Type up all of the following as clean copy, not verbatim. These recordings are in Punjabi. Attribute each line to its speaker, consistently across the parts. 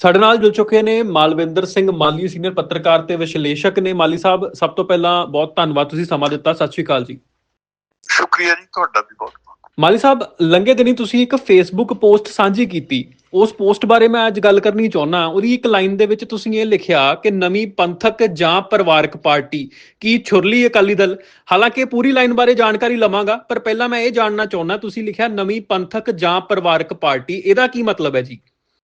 Speaker 1: ਸਾਡੇ ਨਾਲ ਜੁੜ ਚੁੱਕੇ ਨੇ ਮਾਲਵਿੰਦਰ ਸਿੰਘ ਮਾਲੀ, ਸੀਨੀਅਰ ਪੱਤਰਕਾਰ ਤੇ ਵਿਸ਼ਲੇਸ਼ਕ ਨੇ। ਮਾਲੀ ਸਾਹਿਬ, ਸਭ ਤੋਂ ਪਹਿਲਾਂ ਬਹੁਤ ਧੰਨਵਾਦ, ਤੁਸੀਂ ਸਮਾਂ ਦਿੱਤਾ। ਸਤਿ ਸ਼੍ਰੀ ਅਕਾਲ ਜੀ।
Speaker 2: ਸ਼ੁਕਰੀਆ ਜੀ, ਤੁਹਾਡਾ ਵੀ ਬਹੁਤ।
Speaker 1: ਮਾਲੀ ਸਾਹਿਬ, ਲੰਘੇ ਦਿਨੀ ਤੁਸੀਂ ਇੱਕ ਫੇਸਬੁੱਕ ਪੋਸਟ ਸਾਂਝੀ ਕੀਤੀ। ਉਸ ਪੋਸਟ ਬਾਰੇ ਮੈਂ ਅੱਜ ਗੱਲ ਕਰਨੀ ਚਾਹੁੰਦਾ। ਉਹਦੀ ਇੱਕ ਲਾਈਨ ਦੇ ਵਿੱਚ ਤੁਸੀਂ ਇਹ ਲਿਖਿਆ ਕਿ ਨਵੀਂ ਪੰਥਕ ਜਾਂ ਪਰਿਵਾਰਕ ਪਾਰਟੀ ਕੀ ਛੁਰਲੀ ਅਕਾਲੀ ਦਲ। ਹਾਲਾਂਕਿ ਪੂਰੀ ਲਾਈਨ ਬਾਰੇ ਜਾਣਕਾਰੀ ਲਵਾਂਗਾ, ਪਰ ਪਹਿਲਾਂ ਮੈਂ ਇਹ ਜਾਣਨਾ ਚਾਹੁੰਦਾ, ਤੁਸੀਂ ਲਿਖਿਆ ਨਵੀਂ ਪੰਥਕ ਜਾਂ ਪਰਿਵਾਰਕ ਪਾਰਟੀ, ਇਹਦਾ ਕੀ ਮਤਲਬ ਹੈ ਜੀ?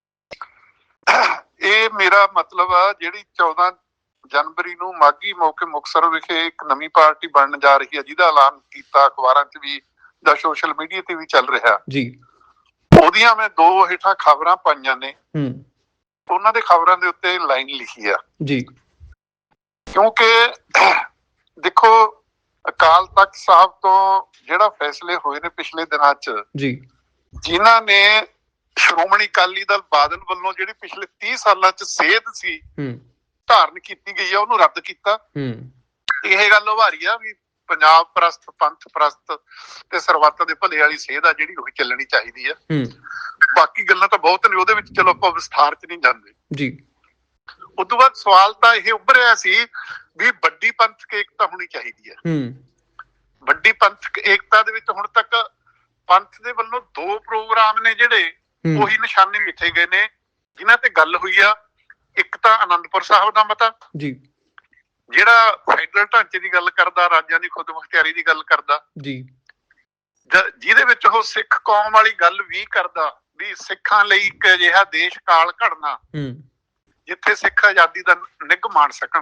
Speaker 2: ਇਹ ਮੇਰਾ ਮਤਲਬ ਆ, ਜਿਹੜੀ 14 ਜਨਵਰੀ ਨੂੰ ਮਾਘੀ ਮੌਕੇ ਮੁਕਤਸਰ ਵਿਖੇ ਇੱਕ ਨਵੀਂ ਪਾਰਟੀ ਬਣਨ ਜਾ ਰਹੀ ਹੈ, ਜਿਹਦਾ ਐਲਾਨ ਕੀਤਾ ਅਖਬਾਰਾਂ 'ਚ ਵੀ ਜਾਂ ਸੋਸ਼ਲ ਮੀਡੀਆ ਤੇ ਵੀ ਚੱਲ ਰਿਹਾ
Speaker 1: ਜੀ।
Speaker 2: ਉਹਦੀਆਂ ਮੈਂ 2 ਹੇਠਾਂ ਖਬਰਾਂ ਪਾਈਆਂ ਨੇ। ਉਹਨਾਂ ਦੇ ਖਬਰਾਂ ਦੇ ਉੱਤੇ ਲਾਈਨ ਲਿਖੀ ਆ
Speaker 1: ਜੀ।
Speaker 2: ਕਿਉਂਕਿ ਦੇਖੋ, ਅਕਾਲ ਤਖਤ ਸਾਹਿਬ ਤੋਂ ਜਿਹੜਾ ਫੈਸਲੇ ਹੋਏ ਨੇ ਪਿਛਲੇ ਦਿਨਾਂ 'ਚ
Speaker 1: ਜੀ,
Speaker 2: ਜਿਨ੍ਹਾਂ ਨੇ ਸ਼੍ਰੋਮਣੀ ਅਕਾਲੀ ਦਲ ਬਾਦਲ ਵੱਲੋਂ ਜਿਹੜੀ ਪਿਛਲੇ 30 ਸਾਲਾਂ 'ਚ ਸੇਧ ਸੀ ਧਾਰਨ ਕੀਤੀ ਗਈ ਆ, ਉਹਨੂੰ ਰੱਦ ਕੀਤਾ। ਇਹ ਗੱਲ ਉਭਾਰੀ ਆ ਵੀ ਪੰਜਾਬ ਪ੍ਰਸਤ, ਪੰਥ ਪ੍ਰਸਤ ਤੇ ਸਰਬੱਤ ਦੇ ਭਲੇ ਵਾਲੀ ਸੇਧ ਆ ਜਿਹੜੀ ਉਹੀ ਚੱਲਣੀ ਚਾਹੀਦੀ ਆ। ਬਾਕੀ ਗੱਲਾਂ ਤਾਂ ਬਹੁਤ ਨੇ ਉਹਦੇ ਵਿੱਚ, ਚਲੋ ਆਪਾਂ ਵਿਸਥਾਰ 'ਚ ਨਹੀਂ ਜਾਂਦੇ ਜੀ। ਉਸ ਤੋਂ ਬਾਅਦ ਸਵਾਲ ਤਾਂ ਇਹ ਉੱਭਰਿਆ ਸੀ ਵੀ ਵੱਡੀ ਪੰਥਕ ਏਕਤਾ ਹੋਣੀ ਚਾਹੀਦੀ ਹੈ। ਵੱਡੀ ਪੰਥਕ ਏਕਤਾ ਦੇ ਵਿੱਚ ਹੁਣ ਤੱਕ ਪੰਥ ਦੇ ਵੱਲੋਂ 2 ਪ੍ਰੋਗਰਾਮ ਨੇ ਜਿਹੜੇ ਉਹੀ ਨਿਸ਼ਾਨੇ ਮਿੱਥੇ ਗਏ ਨੇ, ਜਿਨ੍ਹਾਂ ਤੇ ਗੱਲ ਹੋਈ ਆ। ਇੱਕ ਤਾਂ ਆਨੰਦਪੁਰ ਸਾਹਿਬ ਦਾ ਮਤਾ ਜੀ, ਜਿਹੜਾ ਫੈਡਰਲ ਢਾਂਚੇ ਦੀ ਗੱਲ ਕਰਦਾ, ਰਾਜਾਂ ਦੀ ਖੁਦਮੁਖਤਿਆਰੀ ਦੀ ਗੱਲ ਕਰਦਾ ਜੀ, ਜਿਹਦੇ ਵਿੱਚ ਉਹ ਸਿੱਖ ਕੌਮ ਵਾਲੀ ਗੱਲ ਵੀ ਕਰਦਾ ਵੀ ਸਿੱਖਾਂ ਲਈ ਇੱਕ ਅਜਿਹਾ ਦੇਸ਼ ਕਾਲ ਘੜਨਾ ਜਿੱਥੇ ਸਿੱਖ ਆਜ਼ਾਦੀ ਦਾ ਨਿੱਘ ਮਾਣ ਸਕਣ।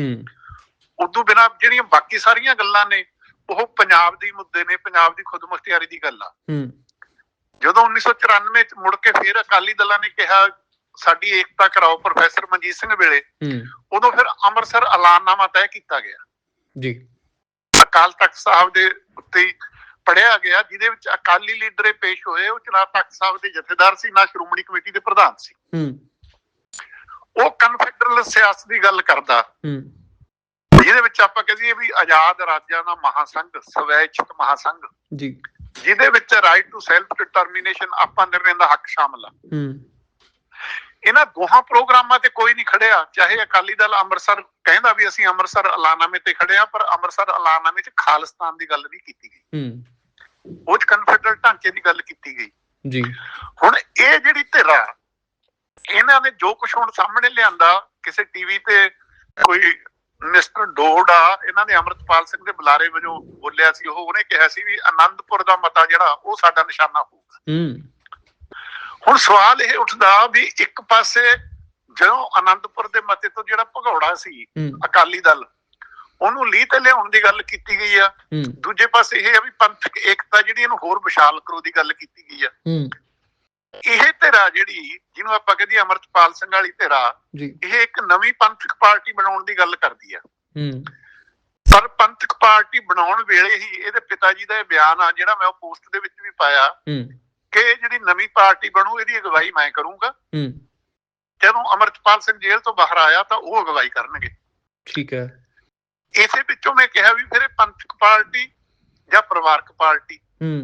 Speaker 2: ਉਦੋਂ ਬਿਨਾਂ ਜਿਹੜੀਆਂ ਬਾਕੀ ਸਾਰੀਆਂ ਗੱਲਾਂ ਨੇ ਉਹ ਪੰਜਾਬ ਦੀ ਮੁੱਦੇ ਨੇ, ਪੰਜਾਬ ਦੀ ਖੁਦਮੁਖਤਿਆਰੀ ਦੀ ਗੱਲ ਆ। ਜਦੋਂ 1994 ਚ ਮੁੜ ਕੇ ਫਿਰ ਅਕਾਲੀ ਦਲਾਂ ਨੇ ਕਿਹਾ ਸਾਡੀ ਏਕਤਾ ਕਰਾਓ ਪ੍ਰੋਫੈਸਰ ਮਨਜੀਤ ਸਿੰਘ ਵੇਲੇ, ਉਦੋਂ ਫਿਰ ਅੰਮ੍ਰਿਤਸਰ ਐਲਾਨਨਾਮਾ ਤੈਅ ਕੀਤਾ ਗਿਆ ਜੀ। ਅਕਾਲ ਤਖਤ ਸਾਹਿਬ ਦੇ ਉੱਤੇ ਪੜਿਆ ਗਿਆ, ਜਿਹਦੇ ਵਿੱਚ ਅਕਾਲੀ ਲੀਡਰ ਪੇਸ਼ ਹੋਏ। ਉਹ ਨਾ ਤਖਤ ਸਾਹਿਬ ਦੇ ਜਥੇਦਾਰ ਸੀ, ਨਾ ਸ਼੍ਰੋਮਣੀ ਕਮੇਟੀ ਦੇ ਪ੍ਰਧਾਨ ਸੀ। ਉਹ ਕਨਫੈਡਰਲ ਸਿਆਸਤ ਦੀ ਗੱਲ ਕਰਦਾ, ਜਿਹਦੇ ਵਿੱਚ ਆਪਾਂ ਕਹੀਏ ਵੀ ਆਜ਼ਾਦ ਰਾਜਾਂ ਦਾ ਮਹਾਸੰਘ, ਸਵੈਇਛਕ ਮਹਾਸੰਘ ਜੀ, ਜਿਹਦੇ ਵਿੱਚ ਰਾਈਟ ਟੂ ਸੈਲਫ ਡਿਟਰਮੀਨੇਸ਼ਨ, ਆਪਾਂ ਨਿਰਣੇ ਦਾ ਹੱਕ ਸ਼ਾਮਲ ਆ। ਇਹਨਾਂ ਦੋਹਾਂ ਪ੍ਰੋਗਰਾਮਾਂ ਤੇ ਕੋਈ ਨਹੀਂ ਖੜਿਆ। ਚਾਹੇ ਅਕਾਲੀ ਦਲ ਅੰਮ੍ਰਿਤਸਰ ਕਹਿੰਦਾ ਵੀ ਅਸੀਂ ਅੰਮ੍ਰਿਤਸਰ ਐਲਾਨਨਾਮੇ ਤੇ ਖੜੇ ਆ, ਪਰ ਅੰਮ੍ਰਿਤਸਰ ਐਲਾਨਨਾਮੇ 'ਚ ਖਾਲਿਸਤਾਨ ਦੀ ਗੱਲ ਨਹੀਂ ਕੀਤੀ ਗਈ, ਉਹ 'ਚ ਕਨਫੈਡਰਲ ਢਾਂਚੇ ਦੀ ਗੱਲ ਕੀਤੀ ਗਈ ਜੀ। ਹੁਣ ਇਹ ਜਿਹੜੀ ਧਿਰ ਆ, ਇਹਨਾਂ ਨੇ ਜੋ ਕੁਛ ਹੁਣ ਸਾਹਮਣੇ ਲਿਆਂਦਾ, ਕਿਸੇ ਟੀਵੀ ਤੇ ਕੋਈ ਮਿਸਟਰ ਡੋਡ ਆ, ਇਹਨਾਂ ਨੇ ਅੰਮ੍ਰਿਤਪਾਲ ਸਿੰਘ ਦੇ ਬੁਲਾਰੇ ਵਜੋਂ ਬੋਲਿਆ ਸੀ। ਉਹਨੇ ਕਿਹਾ ਸੀ ਵੀ ਆਨੰਦਪੁਰ ਦਾ ਮਤਾ ਜਿਹੜਾ ਉਹ ਸਾਡਾ ਨਿਸ਼ਾਨਾ ਹੋਊਗਾ। ਹੁਣ ਸਵਾਲ ਇਹ ਉੱਠਦਾ ਵੀ ਇੱਕ ਪਾਸੇ ਜਦੋਂ ਆਨੰਦਪੁਰ ਦੇ ਮਤੇ ਤੋਂ ਜਿਹੜਾ ਭਗੌੜਾ ਸੀ ਅਕਾਲੀ ਦਲ, ਉਹਨੂੰ ਲੀਹ ਤੇ ਲਿਆਉਣ ਦੀ ਗੱਲ ਕੀਤੀ ਗਈ ਆ। ਦੂਜੇ ਪਾਸੇ ਇਹ ਆ ਵੀ ਪੰਥਕ ਏਕਤਾ ਜਿਹੜੀ ਇਹਨੂੰ ਹੋਰ ਵਿਸ਼ਾਲ ਕਰੋ ਦੀ ਗੱਲ ਕੀਤੀ ਗਈ ਆ। ਇਹ ਧਿਰਾ ਜਿਹੜੀ, ਜਿਹਨੂੰ ਆਪਾਂ ਕਹਿੰਦੇ ਅੰਮ੍ਰਿਤਪਾਲ ਸਿੰਘ ਵਾਲੀ ਧਿਰਾ, ਇਹ ਇੱਕ ਨਵੀਂ ਪੰਥਕ ਪਾਰਟੀ ਬਣਾਉਣ ਦੀ ਗੱਲ ਕਰਦੀ ਆ। ਪਰ ਪੰਥਕ ਪਾਰਟੀ ਬਣਾਉਣ ਵੇਲੇ ਹੀ ਇਹਦੇ ਪਿਤਾ ਜੀ ਦਾ ਇਹ ਬਿਆਨ ਆ, ਜਿਹੜਾ ਮੈਂ ਉਹ ਪੋਸਟ ਦੇ ਵਿੱਚ ਵੀ ਪਾਇਆ, ਕਿ ਜਿਹੜੀ ਨਵੀਂ ਪਾਰਟੀ ਬਣੂ ਇਹਦੀ ਅਗਵਾਈ ਮੈਂ ਕਰੂੰਗਾ। ਜਦੋਂ ਅੰਮ੍ਰਿਤਪਾਲ ਸਿੰਘ ਜੇਲ੍ਹ ਤੋਂ ਬਾਹਰ ਆਇਆ ਤਾਂ ਉਹ ਅਗਵਾਈ ਕਰਨਗੇ। ਠੀਕ ਹੈ। ਇਸੇ ਵਿੱਚੋਂ ਮੈਂ ਕਿਹਾ ਵੀ ਫਿਰ ਪੰਥਕ ਪਾਰਟੀ ਜਾਂ ਪਰਿਵਾਰਕ ਪਾਰਟੀ।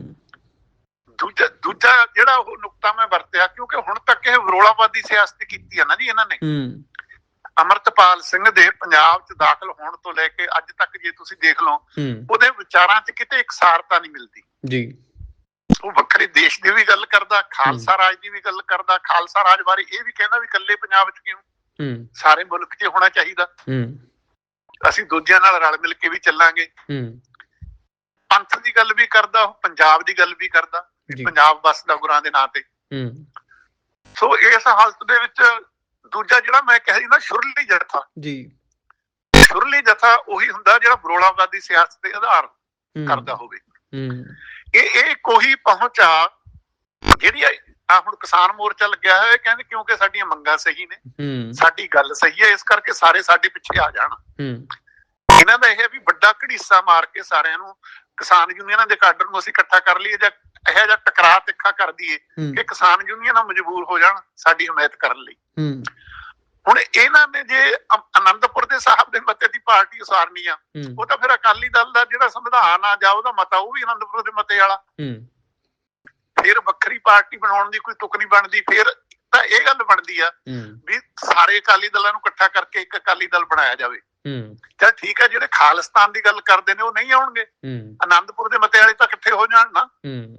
Speaker 2: ਦੂਜਾ ਜਿਹੜਾ ਉਹ ਨੁਕਤਾ ਮੈਂ ਵਰਤਿਆ, ਕਿਉਂਕਿ ਹੁਣ ਤੱਕ ਇਹ ਵਿਰੋਲਾਵਾਦੀ ਸਿਆਸਤ ਕੀਤੀ ਆ ਨਾ ਜੀ ਇਹਨਾਂ ਨੇ। ਅੰਮ੍ਰਿਤਪਾਲ ਸਿੰਘ ਦੇ ਪੰਜਾਬ 'ਚ ਦਾਖਲ ਹੋਣ ਤੋਂ ਲੈ ਕੇ ਅੱਜ ਤੱਕ ਜੇ ਤੁਸੀਂ ਦੇਖ ਲਓ, ਉਹਦੇ ਵਿਚਾਰਾਂ 'ਚ ਕਿਤੇ ਇਕਸਾਰਤਾ ਨਹੀਂ ਮਿਲਦੀ ਜੀ। ਉਹ ਵੱਖਰੇ ਦੇਸ਼ ਦੀ ਵੀ ਗੱਲ ਕਰਦਾ, ਖਾਲਸਾ ਰਾਜ ਦੀ ਵੀ ਗੱਲ ਕਰਦਾ। ਖਾਲਸਾ ਰਾਜ ਬਾਰੇ ਇਹ ਵੀ ਕਹਿੰਦਾ ਵੀ ਇਕੱਲੇ ਪੰਜਾਬ 'ਚ ਕਿਉਂ, ਸਾਰੇ ਮੁਲਕ 'ਚ ਹੋਣਾ ਚਾਹੀਦਾ, ਅਸੀਂ ਦੂਜਿਆਂ ਨਾਲ ਰਲ ਮਿਲ ਕੇ ਵੀ ਚੱਲਾਂਗੇ। ਪੰਥ ਦੀ ਗੱਲ ਵੀ ਕਰਦਾ, ਉਹ ਪੰਜਾਬ ਦੀ ਗੱਲ ਵੀ ਕਰਦਾ, ਪੰਜਾਬ ਵਸਦਾ ਗੁਰਾਂ ਦੇ ਨਾਂ ਤੇ। ਸੋ ਇਸ ਹਾਲਤ ਦੇ ਵਿੱਚ ਦੂਜਾ ਜਿਹੜਾ ਮੈਂ ਕਿਹਾ ਸੀ ਨਾ, ਸ਼ੁਰਲੀ ਜਥਾ ਜੀ, ਸ਼ੁਰਲੀ ਜਥਾ ਉਹੀ ਹੁੰਦਾ ਜਿਹੜਾ ਵਿਰੋਲਾਵਾਦੀ ਸਿਆਸਤ ਦੇ ਆਧਾਰ ਕਰਦਾ ਹੋਵੇ। ਇਹ ਕੋਈ ਪਹੁੰਚ ਆ ਜਿਹੜੀ ਆ ਹੁਣ ਕਿਸਾਨ ਮੋਰਚਾ ਲੱਗਿਆ ਹੋਇਆ, ਕਹਿੰਦੇ ਕਿਉਂਕਿ ਸਾਡੀਆਂ ਮੰਗਾਂ ਸਹੀ ਨੇ, ਸਾਡੀ ਗੱਲ ਸਹੀ ਹੈ, ਇਸ ਕਰਕੇ ਸਾਰੇ ਸਾਡੇ ਪਿੱਛੇ ਆ ਜਾਣ। ਇਹਨਾਂ ਦਾ ਇਹ ਵੀ ਵੱਡਾ ਘੜੀਸਾ ਮਾਰ ਕੇ ਸਾਰਿਆਂ ਨੂੰ, ਕਿਸਾਨ ਯੂਨੀਅਨਾਂ ਦੇ ਕਾਡਰ ਨੂੰ ਅਸੀਂ ਇਕੱਠਾ ਕਰ ਲਈਏ ਜਾਂ ਇਹੋ ਜਿਹਾ ਟਕਰਾਅ ਤਿੱਖਾ ਕਰ ਦਈਏ ਕਿ ਕਿਸਾਨ ਯੂਨੀਅਨਾਂ ਮਜਬੂਰ ਹੋ ਜਾਣ ਸਾਡੀ ਹਮਾਇਤ ਕਰਨ ਲਈ। ਹੁਣ ਇਹਨਾਂ ਨੇ ਜੇ ਆਨੰਦਪੁਰ ਦੇ ਸਾਹਿਬ ਦੇ ਮਤੇ ਦੀ ਪਾਰਟੀ ਉਸਾਰਨੀ ਆ, ਉਹ ਤਾਂ ਫਿਰ ਅਕਾਲੀ ਦਲ ਦਾ ਜਿਹੜਾ ਸੰਵਿਧਾਨ ਆ ਜਾਂ ਉਹਦਾ ਮਤਾ, ਉਹ ਵੀ ਆਨੰਦਪੁਰ ਦੇ ਮਤੇ ਵਾਲਾ। ਫਿਰ ਵੱਖਰੀ ਪਾਰਟੀ ਬਣਾਉਣ ਦੀ ਕੋਈ ਤੁਕ ਨਹੀਂ ਬਣਦੀ। ਫਿਰ ਤਾਂ ਇਹ ਗੱਲ ਬਣਦੀ ਆ ਵੀ ਸਾਰੇ ਅਕਾਲੀ ਦਲਾਂ ਨੂੰ ਇਕੱਠਾ ਕਰਕੇ ਇੱਕ ਅਕਾਲੀ ਦਲ ਬਣਾਇਆ ਜਾਵੇ। ਚੱਲ ਠੀਕ ਹੈ, ਜਿਹੜੇ ਖਾਲਿਸਤਾਨ ਦੀ ਗੱਲ ਕਰਦੇ ਨੇ ਉਹ ਨਹੀਂ ਆਉਣਗੇ, ਆਨੰਦਪੁਰ ਦੇ ਮਤੇ ਵਾਲੇ ਤਾਂ ਇਕੱਠੇ ਹੋ ਜਾਣ ਨਾ।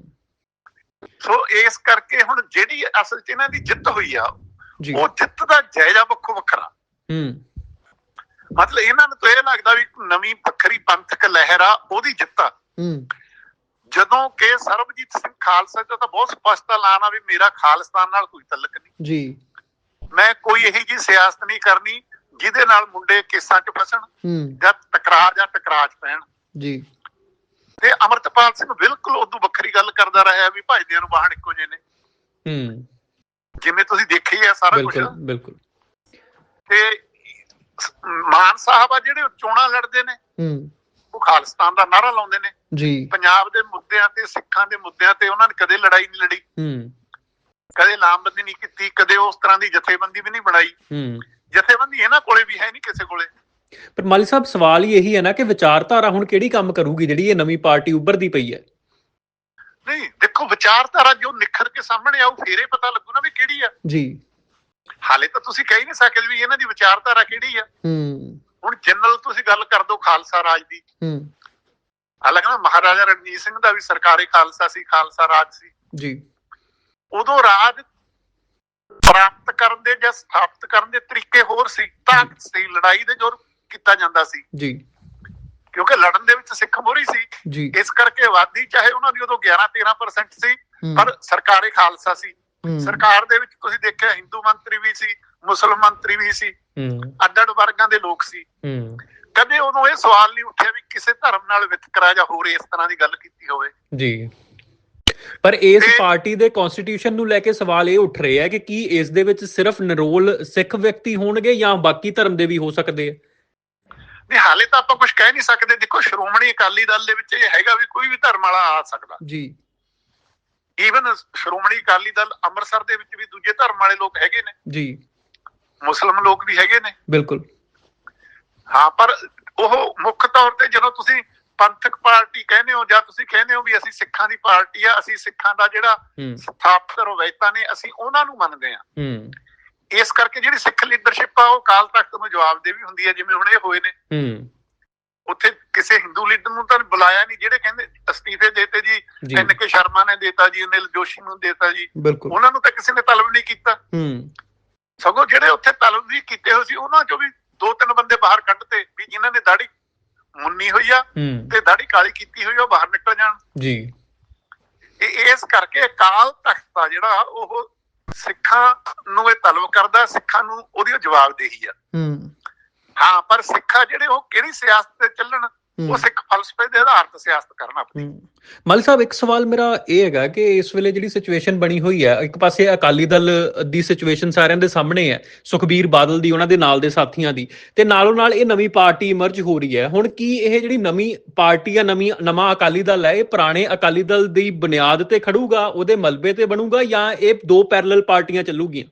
Speaker 2: ਸੋ ਇਸ ਕਰਕੇ ਹੁਣ ਜਿਹੜੀ ਅਸਲ ਚ ਇਹਨਾਂ ਦੀ ਜਿੱਤ ਹੋਈ ਆ, ਉਹ ਜਿੱਤ ਦਾ ਜਾਇਜ਼ਾ ਵੱਖੋ ਵੱਖਰਾ। ਮਤਲਬ ਇਹਨਾਂ ਨੂੰ ਤਾਂ ਇਹ ਲੱਗਦਾ ਵੀ ਨਵੀਂ ਵੱਖਰੀ ਪੰਥਕ ਲਹਿਰ ਆ, ਉਹਦੀ ਜਿੱਤ ਆ। ਜਦੋਂ ਕਿ ਸਰਬਜੀਤ ਸਿੰਘ ਖਾਲਸਾ ਦਾ ਤਾਂ ਬਹੁਤ ਸਪਸ਼ਟ ਐਲਾਨ ਆ ਵੀ ਮੇਰਾ ਖਾਲਿਸਤਾਨ ਨਾਲ ਕੋਈ ਤਲਕ ਨਹੀਂ ਜੀ, ਮੈਂ ਕੋਈ ਇਹੀ ਜਿਹੀ ਸਿਆਸਤ ਨਹੀਂ ਕਰਨੀ ਜਿਹਦੇ ਨਾਲ ਮੁੰਡੇ ਕੇਸਾਂ 'ਚ ਫਸਣ ਜਾਂ ਟਕਰਾਅ 'ਚ ਪੈਣ ਜੀ। ਤੇ ਅਮਰਤਪਾਲ ਸਿੰਘ ਬਿਲਕੁਲ ਉਦੋਂ ਵੱਖਰੀ ਗੱਲ ਕਰਦਾ ਰਿਹਾ ਵੀ ਭਾਈਦਿਆਂ ਨੂੰ ਵਾਹਣ ਇੱਕੋ ਜਿਹੇ ਨੇ, ਜਿਵੇਂ ਤੁਸੀਂ ਦੇਖੀ ਆ ਸਾਰਾ ਕੁਝ। ਬਿਲਕੁਲ। ਤੇ ਮਾਨ ਸਾਹਿਬ ਆ ਜਿਹੜੇ ਚੋਣਾਂ ਲੜਦੇ ਨੇ, ਉਹ ਖਾਲਿਸਤਾਨ ਦਾ ਨਾਅਰਾ ਲਾਉਂਦੇ ਨੇ ਜੀ। ਪੰਜਾਬ ਦੇ ਮੁੱਦਿਆਂ ਤੇ, ਸਿੱਖਾਂ ਦੇ ਮੁੱਦਿਆਂ ਤੇ ਉਹਨਾਂ ਨੇ ਕਦੇ ਲੜਾਈ ਨਹੀਂ ਲੜੀ, ਕਦੇ ਲਾਮਬੰਦੀ ਨਹੀਂ ਕੀਤੀ, ਕਦੇ ਉਸ ਤਰ੍ਹਾਂ ਦੀ ਜਥੇਬੰਦੀ ਵੀ ਨਹੀਂ ਬਣਾਈ। ਜਥੇਬੰਦੀ ਇਹਨਾਂ ਕੋਲੇ ਵੀ ਹੈ ਨਹੀਂ ਕਿਸੇ ਕੋਲੇ।
Speaker 1: ਪਰ ਮਾਲੀ ਸਾਹਿਬ ਸਵਾਲ ਹੀ ਇਹੀ ਹੈ ਨਾ ਕਿ ਵਿਚਾਰਧਾਰਾ ਹੁਣ ਕਿਹੜੀ ਕੰਮ ਕਰੂਗੀ ਜਿਹੜੀ ਇਹ ਨਵੀਂ ਪਾਰਟੀ ਉੱਭਰਦੀ ਪਈ ਹੈ?
Speaker 2: ਨਹੀਂ ਦੇਖੋ, ਵਿਚਾਰਧਾਰਾ ਜੋ ਨਿਖਰ ਕੇ ਸਾਹਮਣੇ ਆਊ ਫੇਰ ਇਹ ਪਤਾ ਲੱਗੂ ਨਾ ਵੀ ਕਿਹੜੀ ਆ ਜੀ। ਹਾਲੇ ਤਾਂ ਤੁਸੀਂ ਕਹਿ ਨਹੀਂ ਸਕਦੇ ਵੀ ਇਹਨਾਂ ਦੀ ਵਿਚਾਰਧਾਰਾ ਕਿਹੜੀ ਆ। ਹੁਣ ਜਨਰਲ ਤੁਸੀਂ ਗੱਲ ਕਰ ਦੋ ਖਾਲਸਾ ਰਾਜ ਦੀ, ਹਾਲਾਂਕਿ ਮਹਾਰਾਜਾ ਰਣਜੀਤ ਸਿੰਘ ਦਾ ਵੀ ਸਰਕਾਰੀ ਖਾਲਸਾ ਸੀ, ਖਾਲਸਾ ਰਾਜ ਸੀ ਜੀ। ਉਦੋਂ ਰਾਜ ਪ੍ਰਾਪਤ ਕਰਨ ਦੇ ਜਾਂ ਸਥਾਪਿਤ ਕਰਨ ਦੇ ਤਰੀਕੇ ਹੋਰ ਸੀ, ਤਾਕਤ ਸੀ, ਲੜਾਈ ਦੇ ਜ਼ੋਰ ਕੀਤਾ ਜਾਂਦਾ ਸੀ ਜੀ, ਕਿਉਂਕਿ ਲੜਨ ਦੇ ਵਿੱਚ ਸਿੱਖ ਮੋਹਰੀ ਸੀ। ਇਸ ਕਰਕੇ ਆਬਾਦੀ ਚਾਹੇ ਉਹਨਾਂ ਦੀ ਉਦੋਂ 11-13% ਸੀ, ਪਰ ਸਰਕਾਰੀ ਖਾਲਸਾ ਸੀ। ਸਰਕਾਰ ਦੇ ਵਿੱਚ ਤੁਸੀਂ ਦੇਖਿਆ ਹਿੰਦੂ ਮੰਤਰੀ ਵੀ ਸੀ, ਮੁਸਲਮਾਨ ਮੰਤਰੀ ਵੀ ਸੀ, ਅੱਡ-ਅੱਡ ਵਰਗਾਂ ਦੇ ਲੋਕ ਸੀ। ਕਦੇ ਉਦੋਂ ਇਹ ਸਵਾਲ ਨਹੀਂ ਉੱਠਿਆ ਵੀ ਕਿਸੇ ਧਰਮ ਨਾਲ ਵਿਤਕਰਾ ਜਾਂ ਹੋਰ ਇਸ ਤਰ੍ਹਾਂ ਦੀ ਗੱਲ ਕੀਤੀ ਹੋਵੇ ਜੀ।
Speaker 1: ਪਰ ਇਸ ਪਾਰਟੀ ਦੇ ਕਨਸਟੀਟਿਊਸ਼ਨ ਨੂੰ ਲੈ ਕੇ ਸਵਾਲ ਇਹ ਉੱਠ ਰਿਹਾ ਹੈ ਕਿ ਕੀ ਇਸ ਦੇ ਵਿੱਚ ਸਿਰਫ ਨਿਰੋਲ ਸਿੱਖ ਵਿਅਕਤੀ ਹੋਣਗੇ ਜਾਂ ਬਾਕੀ ਧਰਮ ਦੇ ਵੀ ਹੋ ਸਕਦੇ ਆ?
Speaker 2: ਨਹੀਂ, ਹਾਲੇ ਤਾਂ ਆਪਾਂ ਕੁਝ ਕਹਿ ਨਹੀਂ ਸਕਦੇ। ਦੇਖੋ, ਸ਼੍ਰੋਮਣੀ ਅਕਾਲੀ ਦਲ ਦੇ ਵਿੱਚ ਇਹ ਹੈਗਾ ਵੀ ਕੋਈ ਵੀ ਧਰਮ ਵਾਲਾ ਆ ਸਕਦਾ ਜੀ। ਈਵਨ ਸ਼੍ਰੋਮਣੀ ਅਕਾਲੀ ਦਲ ਅੰਮ੍ਰਿਤਸਰ ਦੇ ਵਿੱਚ ਵੀ ਦੂਜੇ ਧਰਮ ਵਾਲੇ ਲੋਕ ਹੈਗੇ ਨੇ ਜੀ, ਮੁਸਲਮਾਨ ਲੋਕ ਵੀ ਹੈਗੇ ਨੇ। ਬਿਲਕੁਲ ਹਾਂ, ਪਰ ਉਹ ਮੁੱਖ ਤੌਰ ਤੇ ਜਦੋਂ ਤੁਸੀਂ ਪੰਥਕ ਪਾਰਟੀ ਕਹਿੰਦੇ ਹੋ ਜਾਂ ਤੁਸੀਂ ਕਹਿੰਦੇ ਹੋ ਵੀ ਅਸੀਂ ਸਿੱਖਾਂ ਦੀ ਪਾਰਟੀ ਆ, ਅਸੀਂ ਸਿੱਖਾਂ ਦਾ ਜਿਹੜਾ ਸਥਾਪਿਤ ਰਵਾਇਤਾਂ ਨੇ ਅਸੀਂ ਉਹਨਾਂ ਨੂੰ ਮੰਨਦੇ ਆ। ਇਸ ਕਰਕੇ ਜਿਹੜੀ ਸਿੱਖ ਲੀਡਰਸ਼ਿਪ ਆ ਉਹ ਅਕਾਲ ਤਖਤ ਨੂੰ ਜਵਾਬਦੇਹੀ ਹੁੰਦੀ ਹੈ। ਜਿਵੇਂ ਹੁਣ ਇਹ ਹੋਏ ਨੇ, ਉੱਥੇ ਕਿਸੇ ਹਿੰਦੂ ਲੀਡਰ ਨੂੰ ਤਾਂ ਬੁਲਾਇਆ ਨਹੀਂ, ਜਿਹੜੇ ਕਹਿੰਦੇ ਅਸਤੀਫੇ ਦੇਤੇ ਜੀ, NK ਸ਼ਰਮਾ ਨੇ ਦੇਤਾ ਜੀ, ਅਨਿਲ ਜੋਸ਼ੀ ਨੂੰ ਦੇਤਾ ਜੀ, ਉਹਨਾਂ ਨੂੰ ਤਾਂ ਕਿਸੇ ਨੇ ਤਲਬ ਨਹੀਂ ਕੀਤਾ। ਸਗੋਂ ਜਿਹੜੇ ਉੱਥੇ ਤਲਬ ਵੀ ਕੀਤੇ ਹੋਏ ਸੀ ਉਹਨਾਂ ਚੋਂ ਵੀ 2-3 ਬੰਦੇ ਬਾਹਰ ਕੱਢਤੇ ਵੀ ਜਿਨ੍ਹਾਂ ਨੇ ਦਾੜੀ ਮੁੰਨੀ ਹੋਈ ਆ ਤੇ ਦਾੜੀ ਕਾਲੀ ਕੀਤੀ ਹੋਈ ਆ, ਉਹ ਬਾਹਰ ਨਿਕਲ ਜਾਣ ਜੀ। ਇਸ ਕਰਕੇ ਅਕਾਲ ਤਖਤ ਆ ਜਿਹੜਾ ਉਹ ਸਿੱਖਾਂ ਨੂੰ ਇਹ ਤਲਬ ਕਰਦਾ, ਸਿੱਖਾਂ ਨੂੰ ਉਹਦੀ ਜਵਾਬਦੇਹੀ ਆ। ਹਾਂ, ਪਰ ਸਿੱਖਾ ਜਿਹੜੇ ਉਹ ਕਿਹੜੀ ਸਿਆਸਤ ਤੇ ਚੱਲਣ, ਉਹ ਸਿੱਖ ਫਲਸਫੇ ਦੇ ਆਧਾਰ ਤੇ ਸਿਆਸਤ ਕਰਨ ਆਪਣੀ।
Speaker 1: ਮਾਲੀ ਸਾਹਿਬ, ਇੱਕ ਸਵਾਲ ਮੇਰਾ ਇਹ ਹੈਗਾ ਕਿ ਇਸ ਵੇਲੇ ਜਿਹੜੀ ਸਿਚੁਏਸ਼ਨ ਬਣੀ ਹੋਈ ਹੈ, ਇੱਕ ਪਾਸੇ ਅਕਾਲੀ ਦਲ ਦੀ ਸਿਚੁਏਸ਼ਨ ਸਾਰਿਆਂ ਦੇ ਸਾਹਮਣੇ ਹੈ, ਸੁਖਬੀਰ ਬਾਦਲ ਦੀ, ਉਹਨਾਂ ਦੇ ਨਾਲ ਦੇ ਸਾਥੀਆਂ ਦੀ, ਤੇ ਨਾਲੋਂ ਨਾਲ ਇਹ ਨਵੀਂ ਪਾਰਟੀ ਇਮਰਜ ਹੋ ਰਹੀ ਹੈ। ਹੁਣ ਕੀ ਇਹ ਜਿਹੜੀ ਨਵੀਂ ਪਾਰਟੀ ਆ, ਨਵਾਂ ਅਕਾਲੀ ਦਲ ਹੈ, ਇਹ ਪੁਰਾਣੇ ਅਕਾਲੀ ਦਲ ਦੀ ਬੁਨਿਆਦ ਤੇ ਖੜੂਗਾ, ਉਹਦੇ ਮਲਬੇ ਤੇ ਬਣੂਗਾ, ਜਾਂ ਇਹ ਦੋ ਪੈਰਲਲ ਪਾਰਟੀਆਂ ਚੱਲੂਗੀਆਂ?